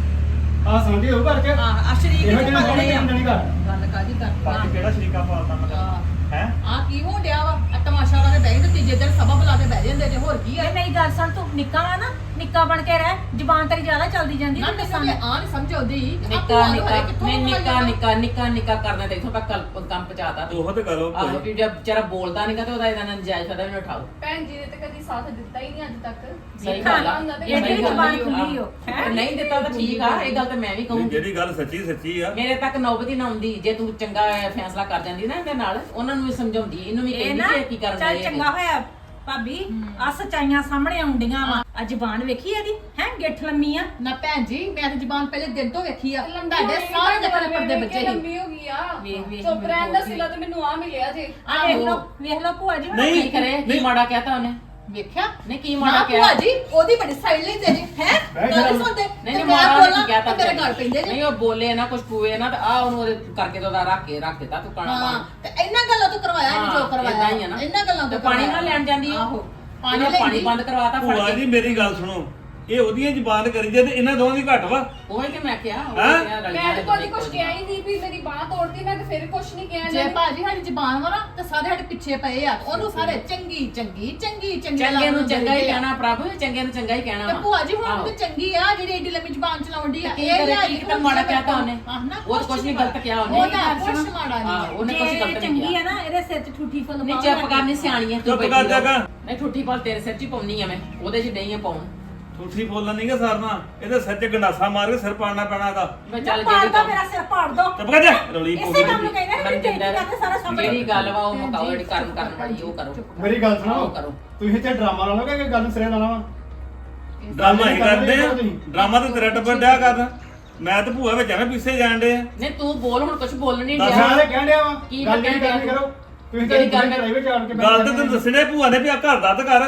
S5: ਆਹ ਸਮਝੀ ਹੋ ਘਰ ਚ
S6: ਹਾਂ ਅਸ਼ਰੀਕ
S5: ਇਹੋ
S6: ਨੇ
S5: ਜਿਹੇ ਨਾਲ
S6: ਮੰਗਣੇ ਆ
S5: ਨਹੀਂ ਕਰ
S6: ਗੱਲ ਕਾਦੀ
S2: ਬਾਕੀ
S6: ਕਰ
S2: ਕਿਹੜਾ ਸ਼ਰੀਕਾ ਪਾਲਦਾ ਮੈਂ ਹੈ
S6: ਆ ਕੀ ਹੋ ਡਿਆ ਵਾ ਆ ਤਮਾਸ਼ਾ ਵਾਲੇ ਬਹਿ ਤੇ ਤੀਜੇ ਦਿਨ ਸਭਾ ਬੁਲਾ ਕੇ ਬਹਿ ਜਾਂਦੇ ਜੇ ਹੋਰ ਕੀ ਆ
S7: ਇਹ ਮੇਰੀ ਗੱਲ ਸੁਣ ਤੂੰ ਨਿੱਕਾ ਵਾ ਨਾ ਨਿੱਕਾ ਬਣ ਕੇ ਰਹਿ ਜ਼ੁਬਾਨ ਤੇਰੀ ਜ਼ਿਆਦਾ ਚੱਲਦੀ ਜਾਂਦੀ
S6: ਨਾ
S7: ਤੂੰ
S6: ਮੈਨੂੰ
S7: ਦੱਸਾਂ
S6: ਤੇ ਆ ਨਹੀਂ ਸਮਝ ਆਉਂਦੀ
S3: ਨਿੱਕਾ ਨਿੱਕਾ ਕਰਨਾ ਤੇ ਇਥੋਂ ਤੱਕ ਕੰਮ ਪਹੁੰਚਾਤਾ
S4: ਉਹ ਤੇ ਕਰੋ
S3: ਆਹੋ ਵੀ ਜਦ ਵਿਚਾਰਾ ਬੋਲਦਾ ਨਹੀਂਗਾ ਤੇ ਉਹਦਾ ਇਹਦਾ ਨਜਾਇਜ਼ ਫਾਇਦਾ ਵੀ ਨਾ ਉਠਾਓ
S1: ਭੈਣ ਜੀ ਨੇ ਤੇ ਕਦੀ ਸਾਥ ਦਿੱਤਾ ਹੀ ਨਹੀਂ ਅੱਜ ਤੱਕ
S3: ਸਹੀ ਗੱਲ ਆ
S1: ਇਹਦੀ
S7: ਇਹਦੀ
S3: ਸਹੀ ਗੱਲ
S7: ਜ਼ੁਬਾਨ
S3: ਆ।
S7: ਖੁੱਲੀ ਓ, ਹੈਂ?
S3: ਨਹੀਂ ਦਿੱਤਾ ਤਾਂ ਠੀਕ ਆ ਇਹ ਗੱਲ ਤਾਂ ਮੈਂ ਵੀ ਕਹੂੰਗੀ
S4: ਜਿਹੜੀ ਗੱਲ ਸੱਚੀ ਸੱਚੀ ਆ
S3: ਮੇਰੇ ਤੱਕ ਨੌਬਤ ਹੀ ਨਾ ਆਉਂਦੀ ਜੇ ਤੂੰ ਚੰਗਾ ਫੈਸਲਾ ਕਰ ਜਾਂਦੀ ਨਾ ਇਹਦੇ ਨਾਲ ਉਹਨਾਂ ਨੂੰ ਵੀ ਸਮਝਾਉਂਦੀ ਇਹਨੂੰ ਵੀ
S7: ਇਹ
S3: ਕਹਿੰਦੀ
S7: ਨਾ
S3: ਕਿ ਇਹ ਕੀ ਕਰਨ
S7: ਚੱਲ
S3: ਡਏ
S7: ਚੰਗਾ ਹੋਇਆ ਭਾਬੀ ਆ ਸਚਾਈਆਂ ਸਾਹਮਣੇ ਆਉਂਦੀਆਂ ਵਾ ਆ ਜ਼ੁਬਾਨ ਵੇਖੀ ਇਹਦੀ ਹੈ ਗਿੱਠ ਲੰਮੀ ਆ
S6: ਨਾ ਭੈਣ ਜੀ ਮੈਂ ਤੇ ਜ਼ਬਾਨ ਪਹਿਲੇ ਦਿਨ ਤੋਂ ਵੇਖੀ ਆ
S1: ਲੰਬੀ
S6: ਤੁਹਾਡੇ
S1: ਹੋਣੀ
S6: ਸਾਰੇ
S1: ਤਾਂ
S6: ਦੇ ਪਰਦੇ ਬੱਚੇ ਹੀ
S1: ਲੰਬੀ ਹੋ ਗਈ ਆ
S7: ਵੇਖ, ਵੇਖ,
S1: ਚੁੱਪ
S7: ਮੈਨੂੰ
S1: ਰਹਿਣ ਦਾ
S7: ਬੋਲਦੀ।
S1: ਸਿਲਾ ਤੇ ਮੈਨੂੰ ਆ ਮਿਲਿਆ ਜੇ
S7: ਆ ਵੇਖ ਲਓ ਭੂਆ ਜੀ
S4: ਨਹੀਂ।
S3: ਕੀ ਕਰੇ ਕੀ ਮਾੜਾ ਕਹਿਤਾ ਉਹਨੇ
S6: ਵੇਖਿਆ
S3: ਨਹੀਂ ਕੀ
S6: ਨਾ
S3: ਮਾੜਾ
S6: ਭੂਆ
S3: ਕਿਹਾ
S6: ਜੀ ਉਹਦੀ ਬੜੀ ਸਾਈਡ ਲੈਂਦੇ ਨੇ ਹੈ
S5: ਬਹਿ
S6: ਗੱਲ
S5: ਜਾ।
S6: ਨੀ ਸੁਣਦੇ
S3: ਨਹੀਂ
S6: ਤੇ
S3: ਨਹੀਂ
S6: ਮੈਂ
S3: ਮਾੜਾ
S6: ਬੋਲਾਂ
S3: ਨਹੀਂ ਕਹਿਤਾ
S6: ਤੇ ਮੇਰੇ ਗੱਲ ਪੈਂਦੇ ਜੇ
S3: ਨਹੀਂ ਉਹ ਬੋਲੇ ਨਾ ਕੁਝ ਕੂਏ ਨਾ ਤੇ ਆ ਉਹਨੂੰ ਉਹਦੇ ਕਰਕੇ ਤੇ ਉਹਦਾ ਰੱਖ ਦਿੱਤਾ ਤੂੰ ਕਾਣਾ
S6: ਹਾਂ
S3: ਪਾਣ
S6: ਤੇ ਇਹਨਾਂ ਗੱਲਾਂ ਤੋਂ ਕਰਵਾਇਆ ਇਹਨੂੰ ਜੋ
S3: ਹਾਂ,
S6: ਕਰਵਾਇਆ
S3: ਏਦਾਂ ਹੀ ਆ ਨਾ।
S6: ਇਹਨਾਂ ਗੱਲਾਂ ਤੋਂ
S3: ਤੇ ਪਾਣੀ
S6: ਕਰਵਾਇਆ।
S3: ਨਾਲ ਲੈਣ ਜਾਂਦੀ ਆ।
S6: ਆਹੋ
S3: ਪਾਣੀ
S6: ਪਾਣੀ
S3: ਪਾਣੀ
S6: ਲੈਂਦੀ
S3: ਬੰਦ ਕਰਵਾਤਾ ਫੜ
S4: ਭੂਆ
S3: ਕੇ
S4: ਜੀ ਮੇਰੀ ਗੱਲ ਸੁਣੋ ਇਹ ਉਹਦੀਆਂ ਜ਼ਬਾਨ ਕਰੀ ਜੇ ਤੇ ਇਹਨਾਂ ਦੋਵਾਂ ਦੀ ਘੱਟ ਵਾ
S3: ਉਹ ਹੀ ਕਿ ਮੈਂ ਕਿਹਾ ਉਹ
S4: ਹੈਂ?
S3: ਕਿਹਾ ਰਲੀਆਂ
S1: ਮੈਂ
S3: ਦੇ
S1: ਤਾਂ ਕਦੀ
S3: ਇੱਕੋ
S1: ਕੁਝ
S3: ਜਿਹੀਆਂ।
S1: ਕਿਹਾ ਹੀ ਨਹੀਂ ਵੀ ਮੇਰੀ ਬਾਹ ਤੋੜਦੀ ਮੈਂ ਤੇ ਫਿਰ ਕੁਝ ਨਹੀਂ ਕਿਹਾ
S6: ਜੇ
S1: ਇਹਨਾਂ ਨੇ।
S6: ਭਾਜੀ ਸਾਡੀ ਜ਼ਬਾਨ ਵਾ ਨਾ ਤੇ ਸਾਰੇ ਸਾਡੇ ਪਿੱਛੇ ਪਏ ਆ ਉਹਨੂੰ ਸਾਰੇ ਚੰਗੀ
S3: ਚੰਗੇ ਨੂੰ ਚੰਗਾ ਹੀ ਕਹਿਣਾ ਪ੍ਰਭੂ ਚੰਗੇ ਨੂੰ ਚੰਗਾ ਹੀ ਕਹਿਣਾ
S6: ਤੇ
S3: ਵਾ।
S6: ਭੂਆ ਜੀ ਹੁਣ
S3: ਆਹੋ।
S6: ਤੇ ਚੰਗੀ ਆ ਜਿਹੜੀ ਏਡੀ ਲੰਮੀ ਜ਼ਬਾਨ ਚਲਾਉਂਦੀ ਆ
S3: ਕੀ ਕਰੇ ਕੀ ਕਿਤਾ ਮਾੜਾ ਕਹਿਤਾ ਉਹਨੇ ਉਹ ਤਾਂ ਕੁਝ ਨਹੀਂ ਗਲਤ ਕਿਹਾ ਉਹਨੇ
S6: ਉਹਦਾ ਕੁਝ ਮਾੜਾ
S3: ਹਾਂ,
S6: ਨਹੀਂ
S3: ਉਹਨੇ ਕੁਝ
S7: ਜੇ
S3: ਗਲਤ ਨਹੀਂ
S7: ਚੰਗੀ
S3: ਕਿਹਾ
S7: ਆ ਨਾ ਇਹਦੇ ਸਿਰ 'ਚ ਠੂਠੀ ਫੁੱਲ
S3: ਨਹੀਂ
S7: ਪਾਓ
S3: ਚੁੱਪ ਕਰਨੀ ਸਿਆਣੀ ਹੈ
S4: ਚੁੱਪ ਕਰ ਜਾਗਾ।
S3: ਨਹੀਂ ਠੁੱਠੀ ਪਾਲ ਤੇਰੇ ਸਿਰ 'ਚ ਹੀ ਪਾਉਣੀ ਆ ਮੈਂ ਉਹਦੇ 'ਚ ਨਹੀਂ ਆ ਪਾਉਣ
S4: ਠੂਠੀ ਬੋਲਣਾ ਨਹੀਂਗਾ ਸਰਨਾ ਇਹਦੇ ਸਿਰ 'ਚ ਗੰਡਾਸਾ ਮਾਰ ਕੇ ਸਿਰ ਪਾੜਨਾ ਪੈਣਾ ਇਹਦਾ
S3: ਮੈਂ ਚੱਲ
S7: ਪਾੜ
S3: ਜਿਹੜੀ
S7: ਦੋ
S3: ਗੱਲ
S7: ਮੇਰਾ ਸਿਰ ਪਾੜ ਦੋ
S4: ਚੁੱਪ ਕਰ ਜਾ ਰੌਲੀ
S7: ਇਸੇ
S4: ਪੂਰੀ
S7: ਕੰਮ ਨੂੰ ਕਹਿੰਦੇ ਨੇ ਮੇਰੀ ਬੇਇੱਜ਼ਤੀ ਕਰਦੇ ਸਾਰਾ ਸਾਹਮਣੇ
S3: ਜਿਹੜੀ ਗੱਲ ਵਾ ਉਹ ਮੁਕਾਓ ਜਿਹੜੀ ਕਰਨ ਵਾਲੀ ਉਹ ਕਰੋ
S5: ਮੇਰੀ ਗੱਲ
S3: ਉਹ
S5: ਸੁਣੋ
S3: ਕਰੋ
S5: ਤੁਸੀਂ ਤੇ ਡਰਾਮਾ ਲਾ ਲਓਗੇ ਕਿ ਗੱਲ ਸਿਰੇ ਲਾਣਾ ਵਾ
S4: ਡਰਾਮਾ ਹੀ ਕਰਦੇ ਆ ਡਰਾਮਾ ਤੇ ਤੇਰਾ ਟੱਬਰ ਡਿਆ ਕਰਦਾ ਮੈਂ ਤੇ ਭੂਆ ਵਿੱਚ ਐਵੇਂ ਪਿੱਛੇ ਜਾਣ ਡੇ ਆ
S3: ਨਹੀਂ ਤੂੰ ਬੋਲ ਹੁਣ ਕੁਝ ਬੋਲ ਨਹੀਂ
S5: ਦੱਸ
S3: ਡਿਆ
S5: ਵਾਲੇ ਕਹਿਣ ਡਿਆ ਵਾ
S3: ਕੀ
S5: ਗੱਲ
S3: ਕਹਿਣ
S5: ਨਹੀਂ
S3: ਡਿਆ?
S5: ਕਰਨੀ ਕਰੋ ਤੁਸੀਂ
S3: ਜਿਹੜੀ
S5: ਤੇ
S3: ਗੱਲ
S5: ਪ੍ਰਾਈਵੇਟ ਜਾਣ ਕੇ
S4: ਗੱਲ ਤੇ ਤੈਨੂੰ ਦੱਸਣੇ ਭੂਆ ਨੇ ਵੀ ਆ ਘਰ ਦਾ ਤੇ ਕਰ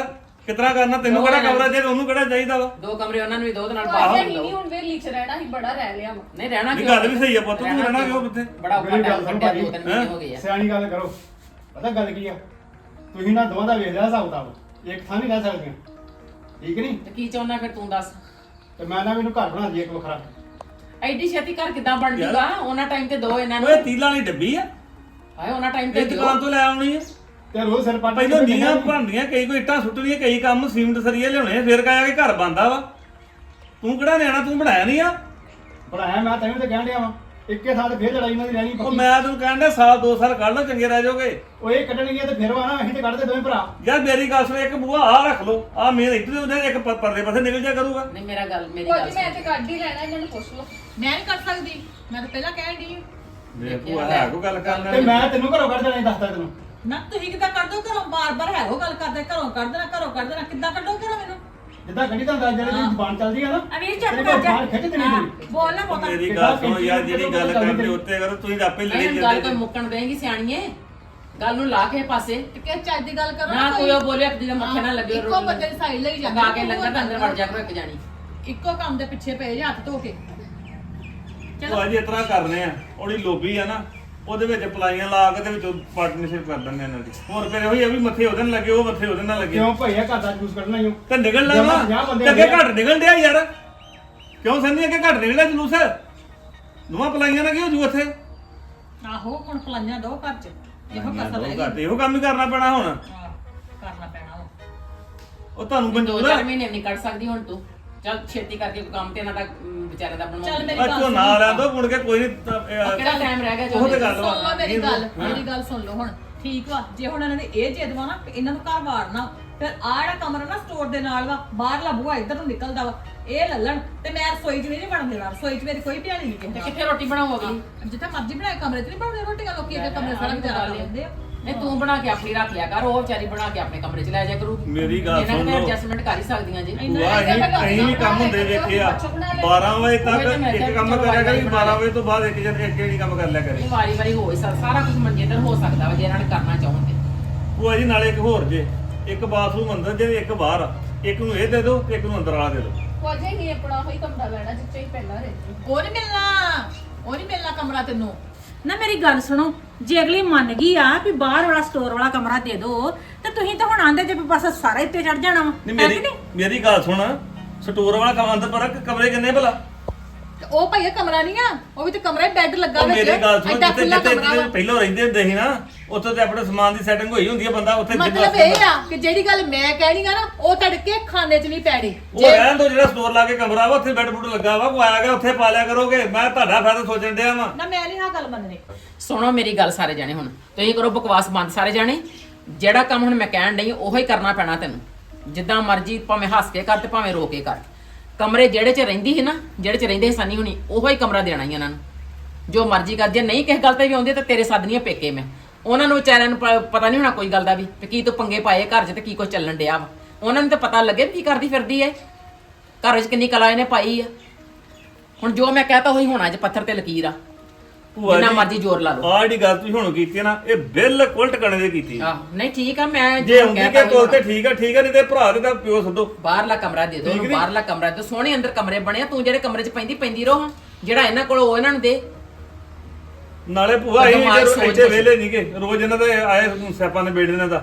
S4: ਕਿਤਨਾ ਕਰਨਾ ਤੈਨੂੰ ਕਿਹੜਾ ਕਮਰਾ ਜੇ ਉਹਨੂੰ ਕਿਹੜਾ ਚਾਹੀਦਾ ਵਾ
S3: 2 ਕਮਰੇ ਉਹਨਾਂ ਨੂੰ ਵੀ ਦੋ ਦੇ ਨਾਲ
S1: ਭਾਜੀ
S3: ਬਾਹਰ
S1: ਅਸੀਂ ਨਹੀਂ ਹੁਣ ਵੇਲੀ ਚ ਰਹਿਣਾ, ਅਸੀਂ ਬੜਾ ਰਹਿ ਲਿਆ ਵਾ।
S3: ਨਹੀਂ ਰਹਿਣਾ
S4: ਨਹੀਂ
S3: ਕਿਉਂ?
S4: ਗੱਲ ਵੀ ਸਹੀ ਆ ਪੁੱਤ, ਤੂੰ ਰਹਿਣਾ ਕਿਉਂ ਕਿੱਥੇ?
S3: ਬੜਾ ਔਖਾ
S5: ਮੇਰੀ ਗੱਲ
S3: ਟਾਈਮ
S5: ਸੁਣ
S3: ਕੱਢਿਆ,
S5: ਭਾਜੀ,
S3: 2-3 ਮਹੀਨੇ ਹੋ ਗਏ ਆ।
S5: ਸਿਆਣੀ ਗੱਲ ਕਰੋ। ਪਤਾ ਗੱਲ ਕੀ ਆ, ਤੁਸੀਂ ਨਾ ਦੋਵਾਂ ਦਾ ਵੇਖ ਲਿਆ ਹਿਸਾਬ ਕਿਤਾਬ, ਇੱਕ ਥਾਂ ਨਹੀਂ ਰਹਿ ਸਕਦੀਆਂ, ਠੀਕ ਨਹੀਂ?
S3: ਤੇ ਕੀ ਚਾਹੁੰਦਾ ਫਿਰ ਤੂੰ ਦੱਸ?
S5: ਤੇ ਮੈਂ ਨਾ ਮੈਨੂੰ ਘਰ ਬਣਾ ਦਈਏ ਇੱਕ ਵੱਖਰਾ।
S3: ਐਡੀ ਛੇਤੀ ਘਰ ਕਿੱਦਾਂ ਬਣ ਜੂਗਾ? ਉਹਨਾਂ ਟਾਈਮ ਤੇ ਦੋ ਇਹਨਾਂ ਨੂੰ
S4: ਓਏ ਤੀਲਾਂ ਵਾਲੀ ਡੱਬੀ ਆ,
S3: ਹਾਏ ਉਹਨਾਂ ਟਾਈਮ ਤੇ
S4: ਇਹ
S3: ਦਿਓ।
S4: ਦੁਕਾਨ ਤੋਂ ਲੈ ਆਉਣੀ ਆ।
S5: ਤੇ ਰੋਜ਼ ਸਿਰ ਪੱਟ
S4: ਪਹਿਲਾਂ ਨੀਆਂ ਬਣਦੀਆਂ, ਕਈ ਕੋਈ ਇੱਟਾਂ ਸੁੱਟਣੀਆਂ, ਕਈ ਕੰਮ ਸੀਮਿੰਟ ਸਰੀਏ ਲਿਆਉਣੇ, ਫਿਰ ਕਹਿਆ ਕਿ ਘਰ ਬਣਦਾ ਵਾ। ਤੂੰ ਕਿਹੜਾ ਨਿਆਣਾ, ਤੂੰ ਬਣਾਇਆ ਨਹੀਂ ਆ।
S5: ਬਣਾਇਆ ਮੈਂ ਤੈਨੂੰ ਤੇ ਕਹਿਣ ਡਿਆ ਵਾਂ, ਇੱਕੇ ਥਾਂ ਤੇ ਫੇਰ ਲੜਾਈ ਇਹਨਾਂ ਦੀ ਰਹਿਣੀ
S4: ਉਹ
S5: ਪੱਕੀ।
S4: ਮੈਂ ਤੈਨੂੰ ਕਹਿਣ ਡਿਆ ਸਾਲ 2 ਸਾਲ ਕੱਢ ਲਓ, ਚੰਗੇ ਰਹਿ ਜਾਓਗੇ।
S5: ਉਹ ਇਹ ਕੱਢਣਗੇ ਤੇ ਫਿਰ ਵਾ ਨਾ, ਅਸੀਂ ਤੇ ਕੱਢਦੇ ਦੋਵੇਂ ਭਰਾ।
S4: ਯਾਰ ਮੇਰੀ ਗੱਲ ਸੁਣ, ਇੱਕ ਬੂਹਾ ਆ ਰੱਖ ਲਓ, ਆ ਮੇਨ ਇੱਧਰ ਉਹਦੇ ਇੱਕ ਪਰਲੇ ਪਾਸੇ ਨਿਕਲ ਜਾ ਕਰੂਗਾ।
S3: ਨਹੀਂ ਮੇਰੀ ਗੱਲ
S1: ਭਾਜੀ ਮੈਂ ਤੇ ਕੱਢ ਹੀ ਲੈਣਾ, ਇਹਨਾਂ ਨੂੰ ਪੁੱਛ ਲਓ।
S6: ਮੈਂ ਨਹੀਂ ਕਰ ਸਕਦੀ, ਮੈਂ ਤਾਂ ਪਹਿਲਾਂ ਕਹਿਣ ਦੀ
S4: ਵੇ ਬੂਹਾ ਹੈ ਕੋ ਗੱਲ ਕਰਨਾ
S5: ਤੇ ਮੈਂ ਤੈਨੂੰ ਘਰੋਂ ਕੱਢ ਦੇਣਾ, ਦੱਸਦਾ ਤੈਨੂੰ।
S7: ਨਾ ਤੁਸੀਂ ਕਿੱਦਾਂ ਕੱਢ ਦੋ ਘਰੋਂ? ਬਾਰ-ਬਾਰ ਹੈਗੋ ਗੱਲ ਕਰਦੇ, ਘਰੋਂ ਕੱਢ ਦੇਣਾ, ਘਰੋਂ ਕੱਢ ਦੇਣਾ, ਕਿੱਦਾਂ ਕੱਢੋ ਘਰੋਂ ਮੈਨੂੰ?
S5: ਜਿੱਦਾਂ ਗੱਡੀ ਤੁਹਾਨੂੰ ਦੱਸ ਜਿਹੜੇ ਦੀ ਜ਼ਬਾਨ ਚੱਲਦੀ ਆ ਨਾ,
S7: ਅਵੀਰ ਚੱਪ
S5: ਤੇਰੇ
S7: ਕਰ
S5: ਕੋਲ
S7: ਜਾ।
S5: ਬਾਹਰ ਖਿੱਚ ਦੇਣੀ
S7: ਹਾਂ,
S5: ਤੇਰੀ।
S7: ਬੋਲ ਨਾ ਬਹੁਤਾ।
S4: ਮੇਰੀ ਗੱਲ ਸੁਣੋ ਯਾਰ, ਜਿਹੜੀ ਗੱਲ ਕਰਦੇ ਉੱਤੇ ਕਰੋ, ਤੁਸੀਂ ਤਾਂ ਆਪੇ ਲੜੀ
S3: ਨਹੀਂ ਗੱਲ ਕੋਈ
S4: ਜਾਂਦੇ।
S3: ਮੁੱਕਣ ਦੇਂਗੀ ਸਿਆਣੀਏ, ਗੱਲ ਨੂੰ ਲਾ ਕੇ ਪਾਸੇ
S6: ਤੇ ਕਿ ਚੱਜ ਦੀ ਗੱਲ ਕਰੋ
S3: ਨਾ ਕੋਈ ਉਹ ਬੋਲੇ ਆਪਣੀ ਦਾ ਮੱਥੇ ਨਾ ਲੱਗੇ।
S6: ਇੱਕੋ ਬੰਦੇ ਦੀ ਸਾਈਡ ਲਈ
S3: ਗਾ ਕੇ ਲੰਗਰ ਦੇ ਅੰਦਰ ਵੜ ਜਾ ਕਰੋ ਇੱਕ ਜਾਣੀ।
S6: ਇੱਕੋ ਕੰਮ ਦੇ ਪਿੱਛੇ ਪਏ ਜੇ ਹੱਥ ਧੋ ਕੇ।
S4: ਉਹ ਅੱਜ ਇਤਨਾ ਕਰਨੇ ਆ, ਉਹਦੀ ਲੋਬੀ ਆ ਨਾ, ਉਹਦੇ ਵਿੱਚ ਪਲਾਈਆਂ ਲਾ ਕੇ ਤੇ ਵਿੱਚੋਂ ਪਾਰਟਨਰਸ਼ਿਪ ਕਰ ਦਿੰਦੇ ਇਹਨਾਂ ਦੀ। ਹੋਰ ਫਿਰ ਉਹੀ ਆ ਵੀ ਮੱਥੇ ਉਹਦੇ ਨਾਲ ਲੱਗੇ, ਉਹ ਮੱਥੇ ਉਹਦੇ ਨਾਲ ਲੱਗੇ,
S5: ਕਿਉਂ ਭਈਆ ਘਰ ਦਾ ਜੂਸ ਕੱਢਣਾ ਹੀ
S4: ਤੇ ਨਿਕਲਣਾ ਵਾ।
S5: ਪੰਜਾਹ ਬੰਦੇ
S4: ਤੇ ਅੱਗੇ ਘੱਟ ਨਿਕਲ ਡਿਆ ਯਾਰ, ਕਿਉਂ ਸੰਨੀ ਅੱਗੇ ਘੱਟ ਨਿਕਲਿਆ ਜਲੂਸ? ਦੋਵਾਂ ਪਲਾਈਆਂ ਨਾਲ ਕੀ ਹੋ ਜੂ ਉੱਥੇ?
S7: ਆਹੋ ਹੁਣ ਪਲਾਈਆਂ ਦੋ ਘਰ ਚ, ਇਹੋ ਕਸਰ ਰਹਿ
S4: ਘੱਟ
S7: ਗਈ।
S4: ਇਹੋ ਕੰਮ ਹੀ ਕਰਨਾ ਪੈਣਾ ਹੁਣ।
S7: ਹਾਂ, ਕਰਨਾ ਪੈਣਾ ਵਾ।
S4: ਉਹ ਤੁਹਾਨੂੰ
S3: 2-4
S4: ਮਨਜ਼ੂਰ
S3: ਮਹੀਨੇ ਵੀ ਨਹੀਂ ਕੱਢ ਸਕਦੀ ਹੁਣ ਤੂੰ। ਚੱਲ ਛੇਤੀ ਕਰਕੇ ਕੋਈ ਕੰਮ ਤੇ ਇਹਨਾਂ ਦਾ ਵਿਚਾਰੇ ਦਾ ਬਣਵਾ।
S7: ਚੱਲ ਮੇਰੀ
S4: ਆ
S7: ਗੱਲ
S4: ਝੋਨਾ
S7: ਸੁਣ।
S4: ਲੈ ਦੋ ਮੁੜ ਕੇ ਕੋਈ ਨਹੀਂ।
S3: ਕਿਹੜਾ ਟਾਈਮ ਰਹਿ ਗਿਆ
S4: ਉਹ ਤੇ
S3: ਜੋ
S4: ਗੱਲ
S6: ਸੁਣ
S4: ਵਾ।
S6: ਲਓ ਮੇਰੀ ਗੱਲ, ਮੇਰੀ ਗੱਲ ਸੁਣ ਲਓ ਹੁਣ।
S7: ਠੀਕ ਵਾ, ਜੇ ਹੁਣ ਇਹਨਾਂ ਨੇ ਇਹ ਜਿੱਦ ਵਾ ਨਾ ਇਹਨਾਂ ਨੂੰ ਘਰ ਵਾੜਨਾ, ਫਿਰ ਆਹ ਜਿਹੜਾ ਕਮਰਾ ਨਾ ਸਟੋਰ ਦੇ ਨਾਲ ਵਾ, ਬਾਹਰਲਾ ਬੂਹਾ ਇੱਧਰ ਨੂੰ ਨਿਕਲਦਾ ਵਾ, ਇਹ ਲੱਲਣ ਤੇ ਮੈਂ ਰਸੋਈ 'ਚ ਵੀ ਨਹੀਂ ਵੜਨ ਦੇਣਾ। ਰਸੋਈ 'ਚ ਮੇਰੀ ਕੋਈ ਭਿਆਲੀ ਨਹੀਂ
S3: ਤੇ
S7: ਕਿਸੇ
S3: ਕਿੱਥੇ ਰੋਟੀ ਬਣਾਓਗੀ?
S6: ਹਾਂ, ਜਿੱਥੇ ਮਰਜ਼ੀ ਬਣਾਏ ਕਮਰੇ 'ਚ ਨਹੀਂ ਬਣਦੇ ਰੋਟੀਆਂ, ਲੋਕੀ ਅੱਗੇ ਕਮਰੇ ਸਾਰਾ ਗੁਜ਼ਾਰਾ ਲੈਂਦੇ ਆ।
S3: ਨਹੀਂ ਤੂੰ ਬਣਾ ਕੇ ਆਪਣੀ ਰੱਖ ਲਿਆ ਕਰ, ਉਹ ਵਿਚਾਰੀ ਬਣਾ ਕੇ ਆਪਣੇ ਕਮਰੇ 'ਚ ਲੈ ਜਾ ਕਰੂ।
S4: ਮੇਰੀ ਗੱਲ
S3: ਇਹਨਾਂ
S4: ਸੁਣ
S3: ਨੇ
S4: ਲਓ।
S3: ਐਡਜਸਟਮੈਂਟ ਕਰ ਹੀ ਸਕਦੀਆਂ ਜੀ।
S4: ਭੂਆ ਅਸੀਂ ਵੀ ਕੰਮ ਹੁੰਦੇ ਵੇਖੇ ਆ, 12 ਵਜੇ ਤੱਕ ਇੱਕ ਕੰਮ ਕਰਿਆ ਕਰੀ, 12 ਵਜੇ ਤੋਂ ਬਾਅਦ ਇੱਕ ਜਿਹੜੀ ਕੰਮ ਕਰ ਲਿਆ ਕਰੇ।
S3: ਇਹ ਵਾਰੀ ਹੋ ਹੀ ਸਕਦਾ, ਸਾਰਾ ਕੁਝ ਮੰਜੇ ਤੇ ਹੋ ਸਕਦਾ ਵਾ ਜੇ ਇਹਨਾਂ ਨੇ ਕਰਨਾ ਚਾਹੋਣ ਤੇ।
S4: ਭੂਆ ਜੀ ਨਾਲੇ ਇੱਕ ਹੋਰ ਜੇ, ਇੱਕ ਬਾਥਰੂਮ ਅੰਦਰ ਜੇ, ਇੱਕ ਬਾਹਰ ਆ। ਇੱਕ ਨੂੰ ਇਹ ਦੇ ਦਿਓ ਤੇ ਇੱਕ ਨੂੰ ਅੰਦਰ ਵਾਲਾ ਦੇ ਦਿਓ।
S1: ਭਾਜੀ ਅਸੀਂ ਆਪਣਾ ਉਹੀ ਕਮਰਾ ਲੈਣਾ ਜਿੱਥੇ ਹੀ ਪਹਿਲਾਂ ਰਹਿੰਦੇ।
S6: ਉਹ ਨਹੀਂ ਮਿਲਣਾ, ਉਹ ਨਹੀਂ ਮਿਲਣਾ ਕਮਰਾ ਤੈਨੂੰ।
S7: ਨਾ ਮੇਰੀ ਗੱਲ ਸੁਣੋ, ਜੇ ਅਗਲੀ ਮੰਨ ਗਈ ਆ ਵੀ ਬਾਹਰ ਵਾਲਾ ਸਟੋਰ ਵਾਲਾ ਕਮਰਾ ਦੇ ਦਿਓ, ਤੇ ਤੁਸੀਂ ਤਾਂ ਹੁਣ ਆਂਦੇ ਜੇ ਵੀ ਬਸ ਸਾਰਾ ਇੱਥੇ ਚੜ ਜਾਣਾ ਵਾ।
S4: ਨਹੀਂ
S7: ਹੈ ਕਿ
S4: ਮੇਰੀ ਗੱਲ ਸੁਣ, ਸਟੋਰ ਵਾਲਾ ਕੰਮ ਅੰਦਰ ਪਰ ਕਮਰੇ ਕਿੰਨੇ ਭਲਾ?
S6: ਤੇ ਉਹ ਭਈਆ ਕਮਰਾ ਨਹੀਂ ਆ, ਉਹ ਵੀ ਤੇ ਕਮਰਾ ਹੀ ਬੈੱਡ ਲੱਗਾ
S4: ਉਹ
S6: ਵਿੱਚ।
S4: ਮੇਰੀ ਗੱਲ ਸੁਣ,
S6: ਐਡਾ
S4: ਜਿੱਥੇ
S6: ਖੁੱਲਾ
S4: ਜਿੱਥੇ
S6: ਕਮਰਾ ਵਾ।
S4: ਪਹਿਲਾਂ ਰਹਿੰਦੇ ਹੁੰਦੇ ਸੀ ਨਾ, ਉੱਥੇ ਤੇ ਆਪਣੇ ਸਮਾਨ ਦੀ ਸੈਟਿੰਗ ਹੋਈ ਹੁੰਦੀ ਹੈ, ਬੰਦਾ ਉੱਥੇ
S6: ਮਤਲਬ ਇਹ ਆ ਕਿ ਜਿਹੜੀ ਗੱਲ ਮੈਂ ਕਹਿਣੀ ਆ ਨਾ, ਉਹ ਤੜਕੇ ਖਾਨੇ 'ਚ ਨਹੀਂ ਪੈਣੀ।
S4: ਉਹ ਰਹਿਣ ਦੋ, ਜਿਹੜਾ ਸਟੋਰ ਲਾ ਕੇ ਕਮਰਾ ਵਾ ਉੱਥੇ ਬੈੱਡ ਬੁੱਡ ਲੱਗਾ ਵਾ, ਕੋਈ ਆਇਆ ਗਿਆ ਉੱਥੇ ਪਾ ਲਿਆ ਕਰੋਗੇ। ਮੈਂ ਤੁਹਾਡਾ ਫਾਇਦਾ ਸੋਚਣ ਡਿਆ ਵਾਂ।
S7: ਨਾ ਮੈਂ ਨਹੀਂ ਆਹ ਗੱਲ ਮੰਨਣੀ।
S3: ਸੁਣੋ ਮੇਰੀ ਗੱਲ ਸਾਰੇ ਜਾਣੇ, ਹੁਣ ਤੁਸੀਂ ਕਰੋ ਬਕਵਾਸ ਬੰਦ ਸਾਰੇ ਜਾਣੇ। ਜਿਹੜਾ ਕੰਮ ਹੁਣ ਮੈਂ ਕਹਿਣ ਡਈ ਉਹੋ ਹੀ ਕਰਨਾ ਪੈਣਾ ਤੈਨੂੰ, ਜਿੱਦਾਂ ਮਰਜ਼ੀ, ਭਾਵੇਂ ਹੱਸ ਕੇ ਕਰ ਤੇ ਭਾਵੇਂ ਰੋ ਕੇ ਕਰ। ਕਮਰੇ ਜਿਹੜੇ 'ਚ ਰਹਿੰਦੀ ਸੀ ਨਾ, ਜਿਹੜੇ 'ਚ ਰਹਿੰਦੇ ਸੀ ਸਨੀ ਹੁਣੀ, ਉਹੋ ਹੀ ਕਮਰਾ ਦੇਣਾ ਹੀ ਇਹਨਾਂ ਨੂੰ। ਜੋ ਮਰਜ਼ੀ ਕਰ, ਜੇ ਨਹੀਂ ਕਿਸੇ ਗੱਲ ਤੇ ਵੀ ਆਉਂਦੇ ਤਾਂ ਤੇਰੇ ਸੱਦਨੀਆਂ ਪੇਕੇ ਮੈਂ। ਉਹਨਾਂ ਨੂੰ ਵਿਚਾਰਿਆਂ ਨੂੰ ਪਤਾ ਨਹੀਂ ਹੋਣਾ ਕੋਈ ਗੱਲ ਦਾ ਵੀ, ਤੇ ਕੀ ਤੂੰ ਪੰਗੇ ਪਾਏ ਘਰ 'ਚ ਤੇ ਕੀ ਕੁਝ ਚੱਲਣ ਡਿਆ ਵਾ। ਉਹਨਾਂ ਨੂੰ ਤਾਂ ਪਤਾ ਲੱਗੇ ਕੀ ਕਰਦੀ ਫਿਰਦੀ ਐ, ਘਰ 'ਚ ਕਿੰਨੀ ਕਲਾ ਇਹਨੇ ਪਾਈ ਆ। ਹੁਣ ਜੋ ਮੈਂ ਕਹਤਾ ਉਹੀ ਹੋਣਾ, ਜੇ ਪੱਥਰ ਤੇ ਲਕੀਰ ਆ, ਜਿੰਨਾ ਮਰਜ਼ੀ ਜ਼ੋਰ ਲਾ ਲਓ।
S4: ਆਹ ਜਿਹੜੀ ਗੱਲ ਤੁਸੀਂ ਹੁਣ ਕੀਤੀ ਹੈ ਨਾ, ਇਹ ਬਿਲਕੁਲ ਟਿਕਾਣੇ ਦੀ ਕੀਤੀ।
S3: ਆਹ ਨਹੀਂ ਠੀਕ ਆ, ਮੈਂ
S4: ਜੇ ਹੁੰਦੀ ਕਿ ਕੋਲ ਤੇ ਠੀਕ ਆ, ਨਹੀਂ ਤੇ ਭਰਾ ਦੇ ਤਾਂ ਪਿਓ ਸੱਦੋ।
S3: ਬਾਹਰਲਾ ਕਮਰਾ ਦੇ ਦੋ ਉਹਨੂੰ, ਬਾਹਰਲਾ ਕਮਰਾ ਦੇ। ਸੋਹਣੇ ਅੰਦਰ ਕਮਰੇ ਬਣੇ ਆ, ਤੂੰ ਜਿਹੜੇ ਕਮਰੇ 'ਚ ਪੈਂਦੀ ਰਹੋ, ਜਿਹੜਾ ਇਹਨਾਂ ਕੋਲ ਉਹ ਇਹਨਾਂ ਨੂੰ ਦੇ।
S4: ਨਾਲੇ ਭੂਆ ਇੱਥੇ ਵਿਹਲੇ ਨਹੀਂਗੇ, ਰੋਜ਼ ਇਹਨਾਂ ਦੇ ਆਏ ਸਿਆਪਾਂ ਦੇ ਬੇੜੇ ਇਹਨਾਂ ਦਾ।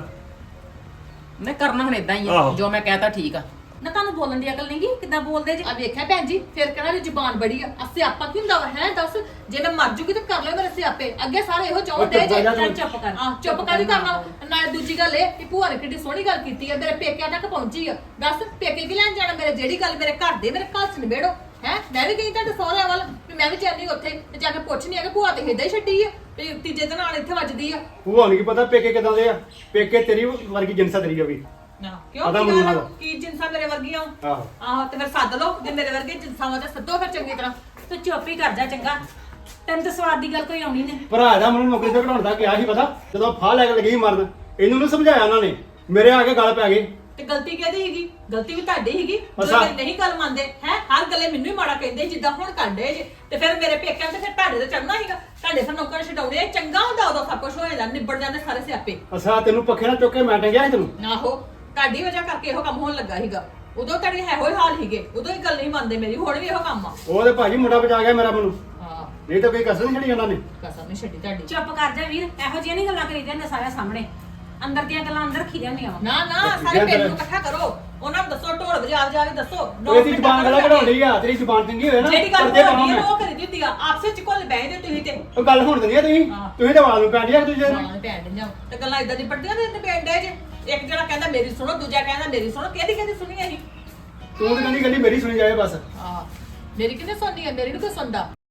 S3: ਮੈਂ ਕਰਨਾ ਹੁਣ ਇਦਾਂ ਹੀ ਆ,
S4: ਆਹੋ।
S3: ਜੋ ਮੈਂ ਕਹਤਾ ਠੀਕ ਆ।
S7: ਨਾ ਤੁਹਾਨੂੰ ਬੋਲਣ ਦੀ ਅਕਲ ਨਹੀਂਗੀ, ਕਿੱਦਾਂ ਬੋਲਦੇ ਜੀ?
S6: ਆ ਵੇਖਿਆ ਭੈਣ ਜੀ, ਫਿਰ ਕਹਿਣਾ ਵੀ ਜ਼ੁਬਾਨ ਬੜੀ ਆ। ਆ ਸਿਆਪਾ ਕੀ ਹੁੰਦਾ ਵਾ ਹੈ? ਦੱਸ, ਜੇ ਮੈਂ ਮਰ ਜੂਗੀ ਤਾਂ ਕਰ ਲਿਓ ਮੇਰੇ ਸਿਆਪੇ। ਅੱਗੇ ਸਾਰੇ ਇਹੋ ਚਾਹੁੰਦੇ ਜੇ।
S7: ਚੱਲ ਚੁੱਪ ਕਰ।
S6: ਆ ਚੁੱਪ ਕਾਹਦੀ ਕਰਨਾ? ਨਾਲੇ ਦੂਜੀ ਗੱਲ ਇਹ ਕਿ ਭੂਆ ਨੇ ਕਿੱਡੀ ਸੋਹਣੀ ਗੱਲ ਕੀਤੀ ਆ, ਮੇਰੇ ਪੇਕਿਆਂ ਤੱਕ ਪਹੁੰਚੀ ਆ। ਦੱਸ ਪੇਕੇ ਕੀ ਲੈਣ ਜਾਣਾ ਮੇਰੇ? ਜਿਹੜੀ ਗੱਲ ਮੇਰੇ ਘਰ ਦੇ, ਮੇਰੇ ਘਰ 'ਚ ਨਿਬੇੜੋ ਹੈ। ਮੈਂ ਵੀ ਗਈ ਤੁਹਾਡੇ ਸਹੁਰਿਆਂ ਵੱਲ, ਵੀ ਮੈਂ ਵੀ ਜਾਂਦੀ ਉੱਥੇ ਤੇ ਜਾ ਕੇ ਪੁੱਛਣੀ ਆ ਕਿ ਭੂਆ ਤੇ ਏਦਾਂ ਹੀ ਛੱਡੀ ਆ ਤੇ ਤੀਜੇ ਦਿਨ ਨਾਲ ਇੱਥੇ ਵੱਜਦੀ ਆ।
S5: ਭੂਆ ਨੂੰ ਕੀ ਪਤਾ ਪੇਕੇ ਕਿਦਾਂ ਦੇ ਆ? ਪੇਕੇ ਤੇਰੀ ਵਰਗੀ ਜਿੰਸਾ ਤੇਰੀ ਆ ਵੀ।
S7: ਨਾ ਕਿਉਂ
S5: ਪਤਾ
S7: ਕੀ
S5: ਮੈਨੂੰ
S7: ਗੱਲ
S5: ਨਾ।
S7: ਕੀ ਜਿੰਸਾਂ ਮੇਰੇ ਵਰਗੀਆਂ ਵਾਂ?
S5: ਆਹੋ
S7: ਆਹੋ ਤੇ ਫਿਰ ਸੱਦ ਲਓ, ਜੇ ਮੇਰੇ ਵਰਗੇ ਜਿੰਸਾਂ ਵਾ ਤੇ ਸੱਦੋ ਫਿਰ ਚੰਗੀ ਤਰ੍ਹਾਂ। ਤੂੰ ਚੁੱਪ ਹੀ ਕਰ ਜਾ ਚੰਗਾ, ਤੈਨੂੰ ਤਾਂ ਸਵਾਦ ਦੀ ਗੱਲ ਕੋਈ ਆਉਣੀ ਨਹੀਂ।
S5: ਭਰਾ ਦਾ ਮੈਨੂੰ ਨੌਕਰੀ ਤੇ ਘਟਾਉਣ ਦਾ ਕਿਹਾ ਸੀ ਪਤਾ, ਜਦੋਂ ਫਾਹ ਲੈ ਕੇ ਲੱਗੀ ਸੀ ਮਰਨ, ਇਹਨੂੰ ਨੀ ਸਮਝਾਇਆ ਉਹਨਾਂ ਨੇ, ਮੇਰੇ ਆ ਕੇ ਗੱਲ ਪੈ ਗਈ।
S7: ਤੇ ਗਲਤੀ ਕਿਹਦੀ ਹੈਗੀ? ਗਲਤੀ ਵੀ ਤੁਹਾਡੀ ਹੈਗੀ,
S5: ਅੱਛਾ।
S7: ਜਦੋਂ ਮੇਰੀ ਨਹੀਂ ਗੱਲ ਮੰਨਦੇ ਹੈ। ਹਰ ਗੱਲੇ ਮੈਨੂੰ ਹੀ ਮਾੜਾ ਕਹਿੰਦੇ ਜਿੱਦਾਂ ਹੁਣ ਕਰਦੇ ਜੇ, ਤੇ ਫਿਰ ਮੇਰੇ ਪੇਕਿਆਂ ਤੇ ਫਿਰ ਤੁਹਾਡੇ ਤੇ ਚੜਨਾ ਹੈਗਾ। ਤੁਹਾਡੇ ਫਿਰ ਨੌਕਰ ਛਡਾਉਣੇ ਚੰਗਾ ਹੁੰਦਾ, ਉਦੋਂ ਸਭ ਕੁਝ ਹੋ ਜਾਂਦਾ, ਨਿਬੜ ਜਾਂਦੇ ਸਾਰੇ ਸਿਆਪੇ।
S5: ਅਸਾ ਤੈਨੂੰ ਪੱਖੇ ਨਾਲ ਚੁੱਕ ਕੇ ਮੈਂ ਟੰਗਿਆ ਸੀ ਤੈਨੂੰ।
S6: ਆਹੋ
S7: ਤੁਹਾਡੀ ਵਜ੍ਹਾ ਕਰਕੇ ਇਹੋ ਕੰਮ ਹੋਣ ਲੱਗਾ ਸੀਗਾ ਉਦੋਂ ਤੁਹਾਡੇ ਇਹੋ ਹੀ ਹਾਲ ਸੀਗੇ ਉਦੋਂ ਹੀ ਗੱਲ ਨਹੀਂ ਮੰਨਦੇ ਮੇਰੀ ਹੁਣ ਵੀ ਇਹੋ ਕੰਮ ਆ
S5: ਉਹ ਤੇ ਭਾਜੀ ਮੁੰਡਾ ਬਚਾ ਗਿਆ ਮੇਰਾ ਮੈਨੂੰ
S7: ਹਾਂ
S5: ਨਹੀਂ ਤਾਂ ਕੋਈ ਕਸਰ ਨਹੀਂ ਛੜੀ ਉਹਨਾਂ ਨੇ
S7: ਕਸਮ ਨਹੀਂ ਛੱਡੀ ਤੁਹਾਡੀ
S8: ਚੁੱਪ ਕਰ ਜਾ ਵੀਰ ਇਹੋ ਜਿਹੀਆਂ ਨਹੀਂ ਗੱਲਾਂ ਕਰੀਦੀਆਂ ਨੇ ਸਾਰਿਆਂ ਸਾਹਮਣੇ ਅੰਦਰ ਦੀਆਂ ਗੱਲਾਂ ਅੰਦਰ ਰੱਖੀ ਜਾਂਦੀਆਂ ਵਾ
S7: ਨਾ ਨਾ ਸਾਰੇ ਪਿੰਡ ਨੂੰ ਇਕੱਠਾ ਕਰੋ ਉਹਨਾਂ ਨੂੰ ਦੱਸੋ ਢੋਲ ਵਜਾ ਵਜਾ ਕੇ ਦੱਸੋ
S5: ਇਹਦੀ ਜ਼ੁਬਾਨ ਗਲਾ ਕਢਾਉਣੀ ਆ ਤੇਰੀ ਜ਼ੁਬਾਨ ਚੰਗੀ ਹੋਏ ਨਾ
S7: ਜਿਹੜੀ ਗੱਲ
S5: ਕਰਦੇ
S7: ਹੋਣੀ
S5: ਕੰਮ
S7: ਹੈ ਉਹ ਕਰੀ ਦਿੱਤੀ ਆ ਆਪਸੇ ਚ ਕੋਲ ਬਹਿ ਤੁਸੀਂ ਤੇ
S5: ਉਹ ਗੱਲ ਹੁਣ ਦਿੰਦੀ ਆ ਤੁਸੀਂ
S7: ਹਾਂ।
S5: ਤੁਸੀਂ ਤਾਂ ਆਵਾਜ਼ ਨੂੰ ਪੈਂਦੀ ਆ ਇੱਕ ਦੂਜੇ ਨੂੰ
S7: ਹਾਂ ਭੈਣ ਦੀਆਂ ਤੇ ਗੱਲਾਂ ਇਦਾਂ ਦੀ ਪੜਦੀਆਂ ਤੇ ਪਿੰਡ ਜੇ ਇੱਕ ਜਣਾ ਕਹਿੰਦਾ ਮੇਰੀ ਸੁਣੋ ਦੂਜਾ ਕਹਿੰਦਾ ਮੇਰੀ ਸੁਣੋ ਕਿਹਦੀ ਸੁਣੀ ਅਸੀਂ
S5: ਤੂੰ ਤਾਂ ਕਹਿੰਦੀ ਮੇਰੀ ਸੁਣੀ ਜਾਏ ਬਸ
S7: ਹਾਂ ਮੇਰੀ ਕਿਹਨੇ ਸੁਣਨੀ ਹੈ ਮੇਰੀ ਨੂੰ ਕੋਈ ਸੁਣਦਾ